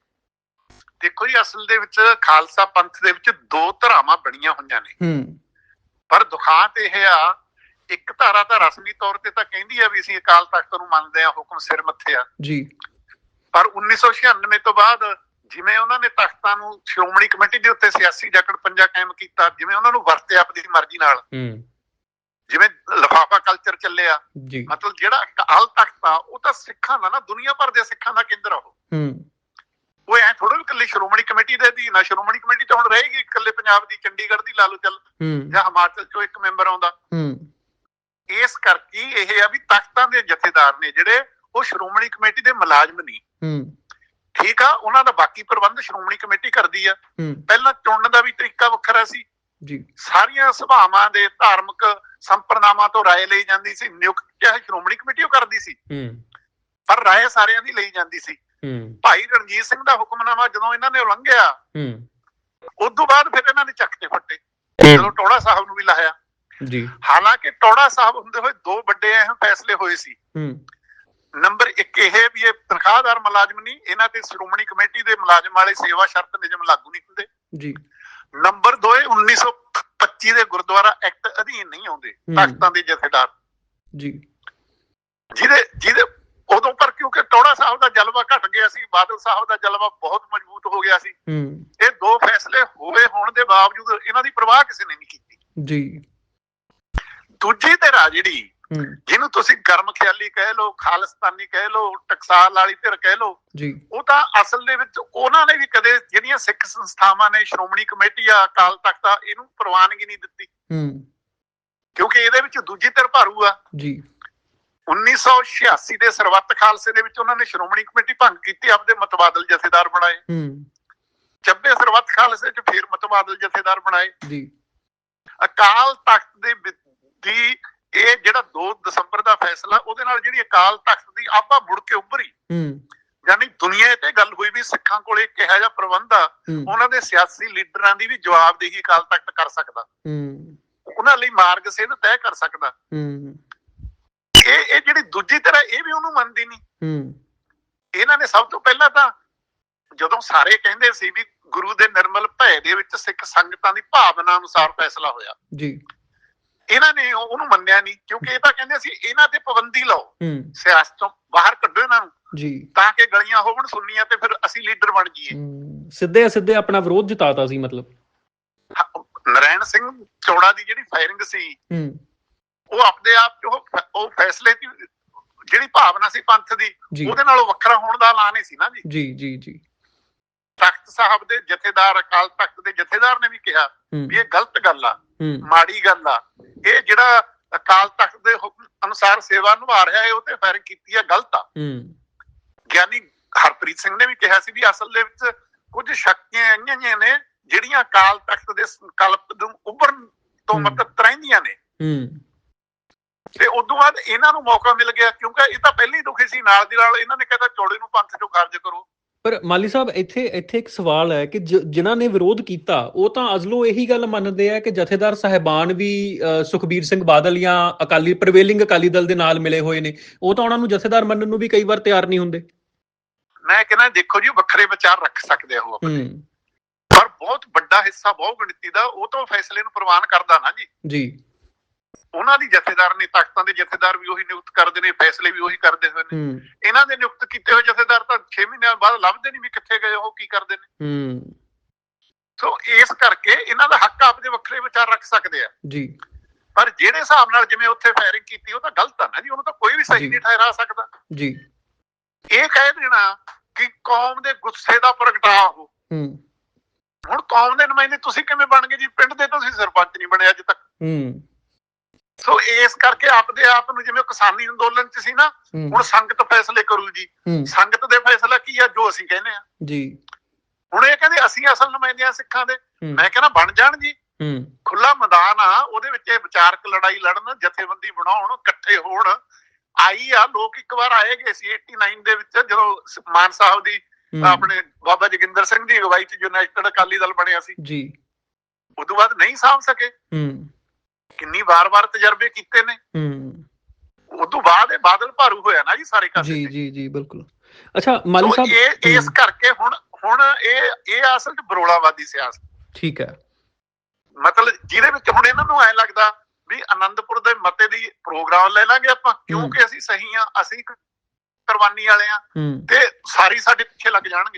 Speaker 2: ਦੇਖੋ ਜੀ, ਅਸਲ ਦੇ ਵਿੱਚ ਖਾਲਸਾ ਪੰਥ ਦੇ ਵਿੱਚ ਦੋ ਧਾਰਾਵਾਂ ਬਣੀਆਂ ਹੋਈਆਂ ਨੇ, ਪਰ ਦੁਖਾਂਤ ਇਹ ਆ, ਇੱਕ ਧਾਰਾ ਤਾਂ ਰਸਮੀ ਤੌਰ ਤੇ ਤਾਂ ਕਹਿੰਦੀ ਆ ਵੀ ਅਸੀਂ ਅਕਾਲ ਤਖਤ ਨੂੰ ਮੰਨਦੇ ਆ, ਹੁਕਮ ਸਿਰ ਮੱਥੇ ਆ ਜੀ। ਪਰ 1996 ਤੋਂ ਬਾਅਦ ਜਿਵੇਂ ਉਹਨਾਂ ਨੇ ਤਖਤਾਂ ਨੂੰ ਸ਼੍ਰੋਮਣੀ ਕਮੇਟੀ ਦੇ ਉੱਤੇ ਸਿਆਸੀ ਜਕੜ ਪੰਜਾ ਕਾਇਮ ਕੀਤਾ, ਜਿਵੇਂ ਉਹਨਾਂ ਨੂੰ ਵਰਤਿਆ ਆਪਣੀ ਮਰਜ਼ੀ ਨਾਲ, ਜਿਵੇਂ ਲਿਫਾਫਾ ਕਲਚਰ ਚੱਲਿਆ, ਮਤਲਬ ਜਿਹੜਾ ਅਕਾਲ ਤਖਤ ਆ ਉਹ ਤਾਂ ਸਿੱਖਾਂ ਦਾ ਨਾ, ਦੁਨੀਆ ਭਰ ਦੇ ਸਿੱਖਾਂ ਦਾ ਕੇਂਦਰ ਆ। ਉਹ ਐ ਥੋੜਾ ਵੀ ਇਕੱਲੀ ਸ਼੍ਰੋਮਣੀ ਕਮੇਟੀ ਦੇ ਅਧੀਨ ਆ। ਸ਼੍ਰੋਮਣੀ ਕਮੇਟੀ ਤਾਂ ਹੁਣ ਰਹੇਗੀ ਇਕੱਲੇ ਪੰਜਾਬ ਦੀ, ਚੰਡੀਗੜ੍ਹ ਦੀ ਲਾ ਲਓ ਚੱਲ, ਜਾਂ ਹਿਮਾਚਲ ਚੋਂ ਇੱਕ ਮੈਂਬਰ ਆਉਂਦਾ। ਇਸ ਕਰਕੇ ਇਹ ਆ ਵੀ ਤਖਤਾਂ ਦੇ ਜਥੇਦਾਰ ਨੇ ਜਿਹੜੇ, ਉਹ ਸ਼੍ਰੋਮਣੀ ਕਮੇਟੀ ਦੇ ਮੁਲਾਜ਼ਮ ਨਹੀਂ। ਠੀਕ ਆ, ਉਹਨਾਂ ਦਾ ਬਾਕੀ ਪ੍ਰਬੰਧ ਸ਼੍ਰੋਮਣੀ ਕਮੇਟੀ ਕਰਦੀ ਆ। ਪਹਿਲਾਂ ਚੁਣਨ ਦਾ ਵੀ ਤਰੀਕਾ ਵੱਖਰਾ ਸੀ ਜੀ, ਸਾਰੀਆਂ ਸਭਾਵਾਂ ਦੇ ਧਾਰਮਿਕ ਸੰਪਰਦਾਵਾਂ ਤੋਂ ਰਾਏ ਲਈ ਜਾਂਦੀ ਸੀ। ਨਿਯੁਕਤ ਚਾਹੇ ਸ਼੍ਰੋਮਣੀ ਕਮੇਟੀ ਉਹ ਕਰਦੀ ਸੀ, ਪਰ ਰਾਏ ਸਾਰਿਆਂ ਦੀ ਲਈ ਜਾਂਦੀ ਸੀ। ਭਾਈ ਰਣਜੀਤ ਸਿੰਘ ਦਾ ਹੁਕਮਨਾਮਾ ਜਦੋਂ ਇਹਨਾਂ ਨੇ ਉਲੰਘਿਆ, ਉਸ ਤੋਂ ਬਾਅਦ ਫਿਰ ਇਹਨਾਂ ਨੇ ਚੱਕ ਕੇ ਫੱਟੇ, ਜਦੋਂ ਟੌੜਾ ਸਾਹਿਬ ਨੂੰ ਵੀ ਲਾਇਆ ਜੀ। ਹਾਲਾਂਕਿ ਟੌੜਾ ਸਾਹਿਬ ਹੁੰਦੇ ਹੋਏ ਦੋ ਵੱਡੇ ਅਹਿਮ ਫੈਸਲੇ ਹੋਏ ਸੀ। ਨੰਬਰ 1 ਇਹ ਵੀ ਇਹ ਤਨਖਾਹਦਾਰ ਮੁਲਾਜ਼ਮ ਨਹੀਂ, ਇਹਨਾਂ ਤੇ ਸ਼੍ਰੋਮਣੀ ਕਮੇਟੀ ਦੇ ਮੁਲਾਜ਼ਮ ਵਾਲੇ ਸੇਵਾ ਸ਼ਰਤ ਨਿਯਮ ਲਾਗੂ ਨਹੀਂ ਹੁੰਦੇ ਜੀ। ਨੰਬਰ 2 1925 ਦੇ ਗੁਰਦੁਆਰਾ ਐਕਟ ਅਧੀਨ ਨਹੀਂ ਆਉਂਦੇ ਤਖਤਾਂ ਦੇ ਜਥੇਦਾਰ ਜੀ, ਜਿਹਦੇ ਉਦੋਂ ਪਰ ਕਿਉਂਕਿ ਟੌਹੜਾ ਸਾਹਿਬ ਦਾ ਜਲਵਾ ਘਟ ਗਿਆ ਸੀ, ਬਾਦਲ ਸਾਹਿਬ ਦਾ ਜਲਵਾ ਬਹੁਤ ਮਜ਼ਬੂਤ ਹੋ ਗਿਆ ਸੀ। ਇਹ ਦੋ ਫੈਸਲੇ ਹੋਣ ਦੇ ਬਾਵਜੂਦ ਇਹਨਾਂ ਦੀ ਪਰਵਾਹ ਕਿਸੇ ਨੇ ਨਹੀਂ ਕੀਤੀ ਜੀ। ਦੂਜੀ ਧਿਰ ਆ ਜਿਹੜੀ, ਜਿਹਨੂੰ ਤੁਸੀਂ ਗਰਮ ਖਿਆਲੀ ਕਹਿ ਲਓ, ਖਾਲਿਸਤਾਨੀ ਕਹਿ ਲਓ, ਟਕਸਾਲ ਵਾਲੀ ਧਿਰ ਕਹਿ ਲਓ, ਉਹ ਤਾਂ ਅਸਲ ਦੇ ਵਿੱਚ ਉਹਨਾਂ ਨੇ ਵੀ ਕਦੇ ਜਿਹੜੀਆਂ ਸਿੱਖ ਸੰਸਥਾਵਾਂ ਨੇ, ਸ਼੍ਰੋਮਣੀ ਕਮੇਟੀ ਆ, ਅਕਾਲ ਤਖਤ ਆ, ਇਹਨੂੰ ਪ੍ਰਵਾਨਗੀ ਨਹੀਂ ਦਿੱਤੀ ਕਿਉਂਕਿ ਇਹਦੇ ਵਿੱਚ ਦੂਜੀ ਧਿਰ ਭਾਰੂ ਆ ਜੀ। 1986 ਦੇ ਸਰਬੱਤ ਖਾਲਸੇ ਦੇ ਵਿੱਚ ਉਹਨਾਂ ਨੇ ਸ਼੍ਰੋਮਣੀ ਕਮੇਟੀ ਭੰਗ ਕੀਤੀ, ਆਪਦੇ ਮਤਬਾਦਲ ਜਥੇਦਾਰ ਬਣਾਏ। 90 ਸਰਬੱਤ ਖਾਲਸੇ ਚ ਫੇਰ ਮਤਬਾਦਲ ਜਥੇਦਾਰ ਬਣਾਏ ਜੀ। ਅਕਾਲ ਤਖਤ ਦੀ ਇਹ ਜਿਹੜਾ 2 ਦਸੰਬਰ ਦਾ ਫੈਸਲਾ, ਉਹਦੇ ਨਾਲ ਜਿਹੜੀ ਅਕਾਲ ਤਖਤ ਦੀ ਆਭਾ ਮੁੜ ਕੇ ਉੱਭਰੀ, ਯਾਨੀ ਦੁਨੀਆ ਤੇ ਗੱਲ ਹੋਈ ਵੀ ਸਿੱਖਾਂ ਕੋਲ ਇੱਕ ਇਹੋ ਜਿਹਾ ਪ੍ਰਬੰਧ ਆ, ਉਹਨਾਂ ਦੇ ਸਿਆਸੀ ਲੀਡਰਾਂ ਦੀ ਵੀ ਜਵਾਬਦੇਹੀ ਅਕਾਲ ਤਖਤ ਕਰ ਸਕਦਾ, ਉਹਨਾਂ ਲਈ ਮਾਰਗ ਸਿੱਧ ਤੈਅ ਕਰ ਸਕਦਾ। ਇਹ ਜਿਹੜੀ ਦੂਜੀ ਤਰ੍ਹਾਂ ਇਹ ਵੀ ਉਹਨੂੰ ਮੰਨਦੀ ਨਹੀਂ। ਇਹਨਾਂ ਨੇ ਸਭ ਤੋਂ ਪਹਿਲਾਂ ਤਾਂ ਜਦੋਂ ਸਾਰੇ ਕਹਿੰਦੇ ਸੀ ਵੀ ਗੁਰੂ ਦੇ ਨਿਰਮਲ ਭੈ ਦੇ ਵਿੱਚ ਸਿੱਖ ਸੰਗਤਾਂ ਦੀ ਭਾਵਨਾ ਅਨੁਸਾਰ ਫੈਸਲਾ ਹੋਇਆ ਜੀ, ਇਹਨਾਂ ਨੇ ਉਹਨੂੰ ਮੰਨਿਆ ਨਹੀਂ ਕਿਉਂਕਿ ਇਹ ਤਾਂ ਕਹਿੰਦੇ ਸੀ ਇਹਨਾਂ ਤੇ ਪਾਬੰਦੀ ਲਾਓ, ਸਿਆਸਤ ਤੋਂ ਬਾਹਰ ਕੱਢੋ ਇਹਨਾਂ ਨੂੰ ਜੀ, ਤਾਂ ਕਿ ਗਲੀਆਂ ਹੋਵਣ ਸੁਣਨੀਆਂ ਤੇ ਫਿਰ ਅਸੀਂ ਲੀਡਰ ਬਣ ਜਾਈਏ। ਸਿੱਧੇ ਆਪਣਾ ਵਿਰੋਧ ਜਤਾਤਾ ਸੀ। ਮਤਲਬ ਨਰੈਣ ਸਿੰਘ ਚੌੜਾ ਦੀ ਜਿਹੜੀ ਫਾਇਰਿੰਗ ਸੀ, ਉਹ ਆਪਣੇ ਆਪ ਚ ਉਹ ਫੈਸਲੇ ਦੀ ਜਿਹੜੀ ਭਾਵਨਾ ਸੀ ਪੰਥ ਦੀ, ਉਹਦੇ ਨਾਲੋਂ ਵੱਖਰਾ ਹੋਣ ਦਾ ਐਲਾਨ ਹੀ ਸੀ ਨਾ ਜੀ। ਤਖਤ ਸਾਹਿਬ ਦੇ ਜਥੇਦਾਰ, ਅਕਾਲ ਤਖਤ ਦੇ ਜਥੇਦਾਰ ਨੇ ਵੀ ਕਿਹਾ ਵੀ ਇਹ ਗਲਤ ਗੱਲ ਆ, ਮਾੜੀ ਗੱਲ ਆ, ਇਹ ਜਿਹੜਾ ਅਕਾਲ ਤਖਤ ਦੇ ਹੁਕਮ ਅਨੁਸਾਰ ਸੇਵਾ ਨਿਭਾ ਰਿਹਾ ਹੈ ਉਹ ਤੇ ਫਾਇਰਿੰਗ ਕੀਤੀ ਆ, ਗਲਤ ਆ। ਗਿਆਨੀ ਹਰਪ੍ਰੀਤ ਸਿੰਘ ਨੇ ਵੀ ਕਿਹਾ ਸੀ ਵੀ ਅਸਲ ਦੇ ਵਿੱਚ ਕੁਝ ਸ਼ਕਤੀਆਂ ਆਈਆਂ ਨੇ ਜਿਹੜੀਆਂ ਅਕਾਲ ਤਖਤ ਦੇ ਸੰਕਲਪ ਨੂੰ ਉੱਭਰਨ ਤੋਂ ਮਤਲਬ ਰਹਿੰਦੀਆਂ ਨੇ, ਤੇ ਉਦੋਂ ਬਾਅਦ ਇਹਨਾਂ ਨੂੰ ਮੌਕਾ ਮਿਲ ਗਿਆ ਕਿਉਂਕਿ ਇਹ ਤਾਂ ਪਹਿਲਾਂ ਹੀ ਦੁਖੀ ਸੀ। ਨਾਲ ਦੀ ਨਾਲ ਇਹਨਾਂ ਨੇ ਕਹਿੰਦਾ ਚੌੜੇ ਨੂੰ ਪੰਥ ਚੋਂ ਖਾਰਜ ਕਰੋ। ਪਰ ਮਾਲੀ ਸਾਹਿਬ ਇੱਥੇ ਇੱਕ ਸਵਾਲ ਹੈ ਕਿ ਜਿਨ੍ਹਾਂ ਨੇ ਵਿਰੋਧ ਕੀਤਾ ਉਹ ਤਾਂ ਅਜ਼ਲੋਂ ਇਹੀ ਗੱਲ ਮੰਨਦੇ ਆ ਕਿ ਜਥੇਦਾਰ ਸਾਹਿਬਾਨ ਵੀ ਸੁਖਬੀਰ ਸਿੰਘ ਬਾਦਲ ਜਾਂ ਪ੍ਰੀਵੇਲਿੰਗ ਅਕਾਲੀ ਦਲ ਦੇ ਨਾਲ ਮਿਲੇ ਹੋਏ ਨੇ, ਉਹ ਤਾਂ ਉਹਨਾਂ ਨੂੰ ਜਥੇਦਾਰ ਮੰਨਣ ਨੂੰ ਵੀ ਕਈ ਵਾਰ ਤਿਆਰ ਨਹੀਂ ਹੁੰਦੇ। ਮੈਂ ਕਹਿੰਦਾ ਦੇਖੋ ਜੀ, ਵੱਖਰੇ ਵਿਚਾਰ ਰੱਖ ਸਕਦੇ ਆ ਉਹ ਆਪਣੇ, ਪਰ ਬਹੁਤ ਵੱਡਾ ਹਿੱਸਾ ਬਹੁ ਗਿਣਤੀ ਦਾ ਉਹ ਤਾਂ ਫੈਸਲੇ ਨੂੰ ਪ੍ਰਵਾਨ ਕਰਦਾ ਨਾ ਜੀ। ਉਹਨਾਂ ਦੀ ਜਥੇਦਾਰ ਨੇ, ਤਖਤਾਂ ਦੇ ਜਥੇਦਾਰ ਵੀ ਉਹੀ ਨਿਯੁਕਤ ਕਰਦੇ ਨੇ, ਫੈਸਲੇ ਵੀ ਉਹੀ ਕਰਦੇ ਹੋਏ ਨੇ। ਇਹਨਾਂ ਦੇ ਨਿਯੁਕਤ ਕੀਤੇ ਹੋਏ ਜਥੇਦਾਰ ਤਾਂ 6 ਮਹੀਨਿਆਂ ਬਾਅਦ ਲੱਭਦੇ ਨਹੀਂ ਵੀ ਕਿੱਥੇ ਗਏ, ਉਹ ਕੀ ਕਰਦੇ ਨੇ। ਸੋ ਇਸ ਕਰਕੇ ਇਹਨਾਂ ਦਾ ਹੱਕ ਆਪਦੇ ਵੱਖਰੇ ਵਿਚਾਰ ਰੱਖ ਸਕਦੇ ਆ ਜੀ, ਪਰ ਜਿਹੜੇ ਹਿਸਾਬ ਨਾਲ ਜਿਵੇਂ ਉੱਥੇ ਫਾਇਰਿੰਗ ਕੀਤੀ ਉਹ ਤਾਂ ਗਲਤ ਆ ਨਾ ਜੀ, ਉਹਨੂੰ ਤਾਂ ਕੋਈ ਵੀ ਸਹੀ ਨਹੀਂ ਠਹਿਰਾ ਸਕਦਾ ਜੀ। ਇਹ ਕਹਿ ਦੇਣਾ ਕਿ ਕੌਮ ਦੇ ਗੁੱਸੇ ਦਾ ਪ੍ਰਗਟਾਵਾ ਹੋ, ਹੁਣ ਕੌਮ ਦੇ ਨੁਮਾਇੰਦੇ ਤੁਸੀਂ ਕਿਵੇਂ ਬਣ ਗਏ ਜੀ? ਪਿੰਡ ਦੇ ਤੁਸੀਂ ਸਰਪੰਚ ਨਹੀਂ ਬਣੇ ਅੱਜ ਤੱਕ। ਸੋ ਇਸ ਕਰਕੇ ਆਪਦੇ ਆਪ ਨੂੰ ਜਿਵੇਂ ਕਿਸਾਨੀ ਅੰਦੋਲਨ ਚ ਸੀ ਨਾ, ਹੁਣ ਸੰਗਤ ਫੈਸਲੇ ਕਰੂ ਜੀ। ਸੰਗਤ ਦੇ ਫੈਸਲਾ ਕੀ ਆ? ਜੋ ਅਸੀਂ ਕਹਿੰਦੇ ਆ ਜੀ। ਹੁਣ ਇਹ ਕਹਿੰਦੇ ਅਸੀਂ ਅਸਲ ਨੁਮਾਇੰਦੇ ਆ ਸਿੱਖਾਂ ਦੇ, ਮੈਂ ਕਹਿੰਦਾ ਬਣ ਜਾਣ ਜੀ, ਖੁੱਲਾ ਮੈਦਾਨ ਆ, ਉਹਦੇ ਵਿੱਚ ਇਹ ਵਿਚਾਰਕ ਲੜਾਈ ਲੜਨ, ਜਥੇਬੰਦੀ ਬਣਾਉਣ, ਇਕੱਠੇ ਹੋਣ। ਆਈ ਆ, ਲੋਕ ਇੱਕ ਵਾਰ ਆਏ ਗਏ ਸੀ 89 ਦੇ ਵਿੱਚ, ਜਦੋਂ ਮਾਨ ਸਾਹਿਬ ਦੀ ਆਪਣੇ ਬਾਬਾ ਜੋਗਿੰਦਰ ਸਿੰਘ ਦੀ ਅਗਵਾਈ ਚ ਯੂਨਾਈਟਿਡ ਅਕਾਲੀ ਦਲ ਬਣਿਆ ਸੀ ਜੀ। ਉਦੋਂ ਬਾਅਦ ਨਹੀਂ ਸਾਂਭ ਸਕੇ, ਕਿੰਨੀ ਵਾਰ ਤਜਰਬੇ ਕੀਤੇ ਨੇ। ਉਦੋਂ ਬਾਅਦ ਇਹ ਬਾਦਲ ਭਾਰੂ ਹੋਇਆ ਨਾ ਜੀ ਸਾਰੇ ਕਾਸੇ ਤੇ। ਜੀ ਬਿਲਕੁਲ। ਅੱਛਾ ਮਾਲੀ ਸਾਹਿਬ, ਇਸ ਕਰਕੇ ਹੁਣ ਇਹ ਅਸਲ ਚ ਬਰੋਲਾਵਾਦੀ ਸਿਆਸਤ, ਠੀਕ ਹੈ, ਮਤਲਬ ਜਿਹਦੇ ਵਿੱਚ ਹੁਣ ਇਹਨਾਂ ਨੂੰ ਐ ਲੱਗਦਾ ਵੀ ਆਨੰਦਪੁਰ ਦੇ ਮਤੇ ਦੀ ਪ੍ਰੋਗਰਾਮ ਲੈ ਲਾਂਗੇ ਆਪਾਂ ਕਿਉਂਕਿ ਅਸੀਂ ਸਹੀ ਆ, ਅਸੀਂ ਕੁਰਬਾਨੀ ਵਾਲੇ ਆ, ਤੇ ਸਾਰੀ ਸਾਡੇ ਪਿੱਛੇ ਲੱਗ ਜਾਣਗੇ।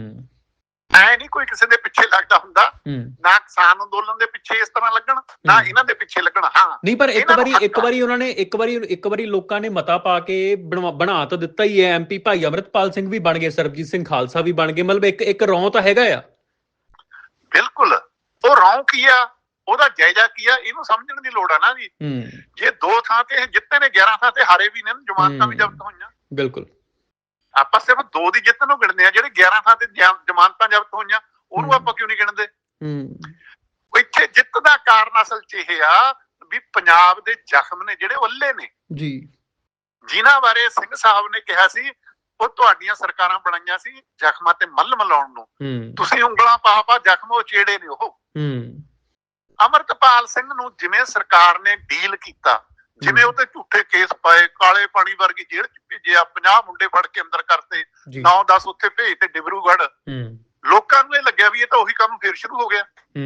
Speaker 2: ਐ ਨਹੀਂ ਕੋਈ ਕਿਸੇ ਦੇ ਪਿੱਛੇ ਲੱਗਦਾ ਹੁੰਦਾ, ਨਾ ਕਿਸਾਨ ਅੰਦੋਲਨ ਦੇ ਪਿੱਛੇ ਇਸ ਤਰ੍ਹਾਂ ਲੱਗਣ, ਨਾ ਇਹਨਾਂ ਦੇ ਪਿੱਛੇ ਲੱਗਣ। ਹਾਂ ਨਹੀਂ, ਪਰ ਇੱਕ ਵਾਰੀ ਉਹਨਾਂ ਨੇ ਇੱਕ ਵਾਰੀ ਲੋਕਾਂ ਨੇ ਮਤਾ ਪਾ ਕੇ ਬਣਾ ਤਾਂ ਦਿੱਤਾ ਹੀ ਹੈ। MP ਭਾਈ ਅਮਰਿਤਪਾਲ ਸਿੰਘ ਵੀ ਬਣ ਗਏ, ਸਰਬਜੀਤ ਸਿੰਘ ਖਾਲਸਾ ਵੀ ਬਣ ਗਏ, ਮਤਲਬ ਇੱਕ ਰੌਂ ਤਾਂ ਹੈਗਾ ਆ। ਬਿਲਕੁਲ, ਉਹ ਰੌਂ ਕੀ ਆ, ਉਹਦਾ ਜਾਇਜ਼ਾ ਕੀ ਆ, ਇਹਨੂੰ ਸਮਝਣ ਦੀ ਲੋੜ ਆ ਨਾ ਜੀ। ਜੇ 2 ਥਾਂ ਤੇ ਜਿੱਤੇ ਨੇ, 11 ਥਾਂ ਤੇ ਹਾਰੇ ਵੀ ਨੇ, ਜ਼ਮਾਨਤਾਂ ਵੀ ਜ਼ਬਤ ਹੋਈਆਂ। ਬਿਲਕੁਲ, ਆਪਾਂ ਸਿਰਫ 2 ਦੀ ਜਿੱਤ ਨੂੰ ਗਿਣਦੇ ਆ, ਜਿਹੜੇ 11 ਥਾਂ ਤੇ ਜ਼ਮਾਨਤਾਂ ਜ਼ਬਤ ਹੋਈਆਂ ਉਹਨੂੰ ਆਪਾਂ ਕਿਉਂ ਨਹੀਂ ਗਿਣਦੇ? ਇੱਥੇ ਜਿੱਤ ਦਾ ਕਾਰਨ ਅਸਲ ਚ ਇਹ ਆ ਵੀ ਪੰਜਾਬ ਦੇ ਜ਼ਖਮ ਨੇ ਜਿਹੜੇ ਉੱਲੇ ਨੇ ਜੀ, ਜਿਨ੍ਹਾਂ ਬਾਰੇ ਸਿੰਘ ਸਾਹਿਬ ਨੇ ਕਿਹਾ ਸੀ ਉਹ ਤੁਹਾਡੀਆਂ ਸਰਕਾਰਾਂ ਬਣਾਈਆਂ ਸੀ ਜ਼ਖਮਾਂ ਤੇ ਮੱਲਮ ਲਾਉਣ ਨੂੰ, ਤੁਸੀਂ ਉਂਗਲਾਂ ਪਾ ਜ਼ਖਮ ਉਚੇੜੇ ਨੇ। ਉਹ ਅਮਰਤਪਾਲ ਸਿੰਘ ਨੂੰ ਜਿਵੇਂ ਸਰਕਾਰ ਨੇ ਡੀਲ ਕੀਤਾ, ਜਿਵੇਂ ਉਹਤੇ ਝੂਠੇ ਕੇਸ ਪਾਏ, ਕਾਲੇ ਪਾਣੀ ਵਰਗੀ ਜੇਲ੍ਹ ਚ ਭੇਜਿਆ, 50 ਮੁੰਡੇ ਫੜ ਕੇ ਅੰਦਰ ਕਰਤੇ, 9-10 ਉੱਥੇ ਭੇਜ ਤੇ ਡਿਬਰੂਗੜ੍ਹ। ਲੋਕਾਂ ਨੂੰ ਇਹ ਲੱਗਿਆ ਵੀ ਇਹ ਤਾਂ ਉਹੀ ਕੰਮ ਫੇਰ ਸ਼ੁਰੂ ਹੋ ਗਿਆ,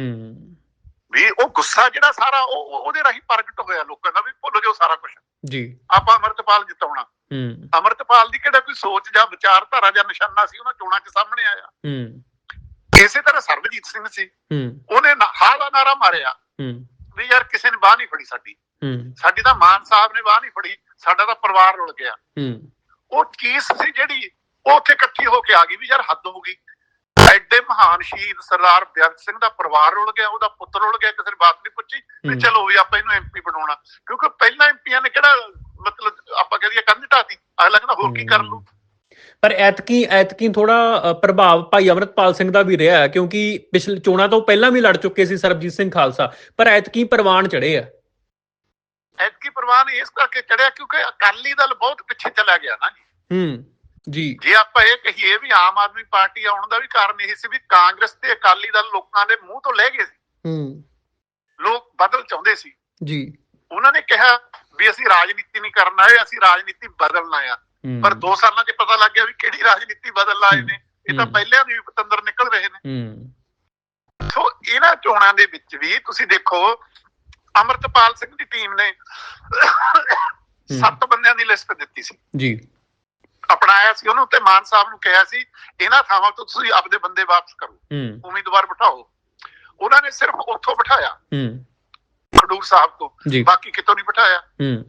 Speaker 2: ਵੀ ਉਹ ਗੁੱਸਾ ਜਿਹੜਾ ਸਾਰਾ ਉਹਦੇ ਰਾਹੀਂ ਪ੍ਰਗਟ ਹੋਇਆ ਲੋਕਾਂ ਦਾ, ਵੀ ਭੁੱਲ ਜਾਓ ਸਾਰਾ ਕੁਛ ਜੀ, ਆਪਾਂ ਅਮਰਤਪਾਲ ਜਿਤਾਉਣਾ। ਅੰਮ੍ਰਿਤਪਾਲ ਦੀ ਕਿਹੜਾ ਕੋਈ ਸੋਚ ਜਾਂ ਵਿਚਾਰਧਾਰਾ ਜਾਂ ਨਿਸ਼ਾਨਾ ਸੀ ਉਹਨਾਂ ਚੋਣਾਂ 'ਚ ਸਾਹਮਣੇ ਆਇਆ। ਇਸੇ ਤਰ੍ਹਾਂ ਸਰਬਜੀਤ ਸਿੰਘ ਸੀ, ਉਹਨੇ ਹਾਂ ਦਾ ਨਾਰਾ ਮਾਰਿਆ ਵੀ ਯਾਰ ਕਿਸੇ ਨੇ ਬਾਹ ਨਹੀਂ ਫੜੀ ਸਾਡੀ ਤਾਂ ਮਾਨ ਸਾਹਿਬ ਨੇ ਬਾਹ ਨਹੀਂ ਫੜੀ, ਸਾਡਾ ਤਾਂ ਪਰਿਵਾਰ ਰੁਲ ਗਿਆ। ਉਹ ਚੀਜ਼ ਸੀ ਜਿਹੜੀ ਉਹ ਉੱਥੇ ਇਕੱਠੀ ਹੋ ਕੇ ਆ ਗਈ ਵੀ ਯਾਰ ਹੱਦ ਹੋ ਗਈ। ਐਡੇ ਮਹਾਨ ਸ਼ਹੀਦ ਸਰਦਾਰ ਬੇਅੰਤ ਸਿੰਘ ਦਾ ਪਰਿਵਾਰ ਰੁਲ ਗਿਆ, ਉਹਦਾ ਪੁੱਤਰ ਰੁਲ ਗਿਆ, ਕਿਸੇ ਨੇ ਬਾਤ ਨਹੀਂ ਪੁੱਛੀ ਵੀ ਚਲੋ ਵੀ ਆਪਾਂ ਇਹਨੂੰ MP ਬਣਾਉਣਾ, ਕਿਉਂਕਿ ਪਹਿਲਾਂ MPਆਂ ਨੇ ਕਿਹੜਾ ਮਤਲਬ ਆਪਾਂ ਕਹਦੇ ਕੰਧ ਢਾਤੀ, ਅਗਲਾ ਕਹਿੰਦਾ ਹੋਰ ਕੀ ਕਰ ਲੂ।
Speaker 1: ਪਰ ਐਤਕੀ ਥੋੜਾ ਪ੍ਰਭਾਵ ਭਾਈ ਅਮਰਤਪਾਲ ਸਿੰਘ ਦਾ ਵੀ ਰਿਹਾ, ਕਿਉਂਕਿ ਪਿਛਲੇ ਚੋਣਾਂ ਤੋਂ ਪਹਿਲਾਂ ਵੀ ਲੜ ਚੁੱਕੇ ਸੀ ਸਰਬਜੀਤ ਸਿੰਘ ਖਾਲਸਾ, ਪਰ ਐਤਕੀ ਪ੍ਰਵਾਨ ਚੜੇ ਆ।
Speaker 2: ਐਤਕੀ ਪ੍ਰਵਾਨ ਇਸ ਕਰਕੇ ਚੜਿਆ ਕਿਉਂਕਿ ਅਕਾਲੀ ਦਲ ਬਹੁਤ ਪਿੱਛੇ ਚਲਾ ਗਿਆ ਨਾ
Speaker 1: ਜੀ।
Speaker 2: ਜੇ ਆਪਾਂ ਇਹ ਕਹੀਏ ਵੀ ਆਮ ਆਦਮੀ ਪਾਰਟੀ ਆਉਣ ਦਾ ਵੀ ਕਾਰਨ ਇਹ ਸੀ ਵੀ ਕਾਂਗਰਸ ਤੇ ਅਕਾਲੀ ਦਲ ਲੋਕਾਂ ਦੇ ਮੂੰਹ ਤੋਂ ਲੈ ਗਏ ਸੀ, ਲੋਕ ਬਦਲ ਚਾਹੁੰਦੇ ਸੀ
Speaker 1: ਜੀ।
Speaker 2: ਉਹਨਾਂ ਨੇ ਕਿਹਾ ਵੀ ਅਸੀਂ ਰਾਜਨੀਤੀ ਨਹੀਂ ਕਰਨ ਆਏ, ਅਸੀਂ ਰਾਜਨੀਤੀ ਬਦਲਣਾ ਆ। ਪਰ 2 ਸਾਲਾਂ 'ਚ ਪਤਾ ਲੱਗ ਗਿਆ ਵੀ ਕਿਹੜੀ ਰਾਜਨੀਤੀ ਬਦਲ ਆਏ ਨੇ, ਇਹ ਤਾਂ ਪਹਿਲਿਆਂ ਦੀ ਵੀ ਪਤੰਦਰ ਨਿਕਲ ਰਹੇ ਨੇ। ਸੋ ਇਹਨਾਂ ਚੋਣਾਂ ਦੇ ਵਿੱਚ ਵੀ ਤੁਸੀਂ ਦੇਖੋ ਅਮਰਤਪਾਲ ਸਿੰਘ ਦੀ ਟੀਮ ਨੇ 7 ਬੰਦਿਆਂ ਦੀ ਲਿਸਟ ਦਿੱਤੀ ਸੀ
Speaker 1: ਜੀ,
Speaker 2: ਅਪਣਾਇਆ ਸੀ ਉਹਨੂੰ, ਤੇ ਮਾਨ ਸਾਹਿਬ ਨੂੰ ਕਿਹਾ ਸੀ ਇਹਨਾਂ ਥਾਵਾਂ ਤੋਂ ਤੁਸੀਂ ਆਪਦੇ ਬੰਦੇ ਵਾਪਸ ਕਰੋ, ਉਮੀਦਵਾਰ ਬਿਠਾਓ। ਉਹਨਾਂ ਨੇ ਸਿਰਫ ਉੱਥੋਂ ਬਿਠਾਇਆ ਖਡੂਰ ਸਾਹਿਬ ਤੋਂ, ਬਾਕੀ ਕਿਤੋਂ ਨਹੀਂ ਬਿਠਾਇਆ।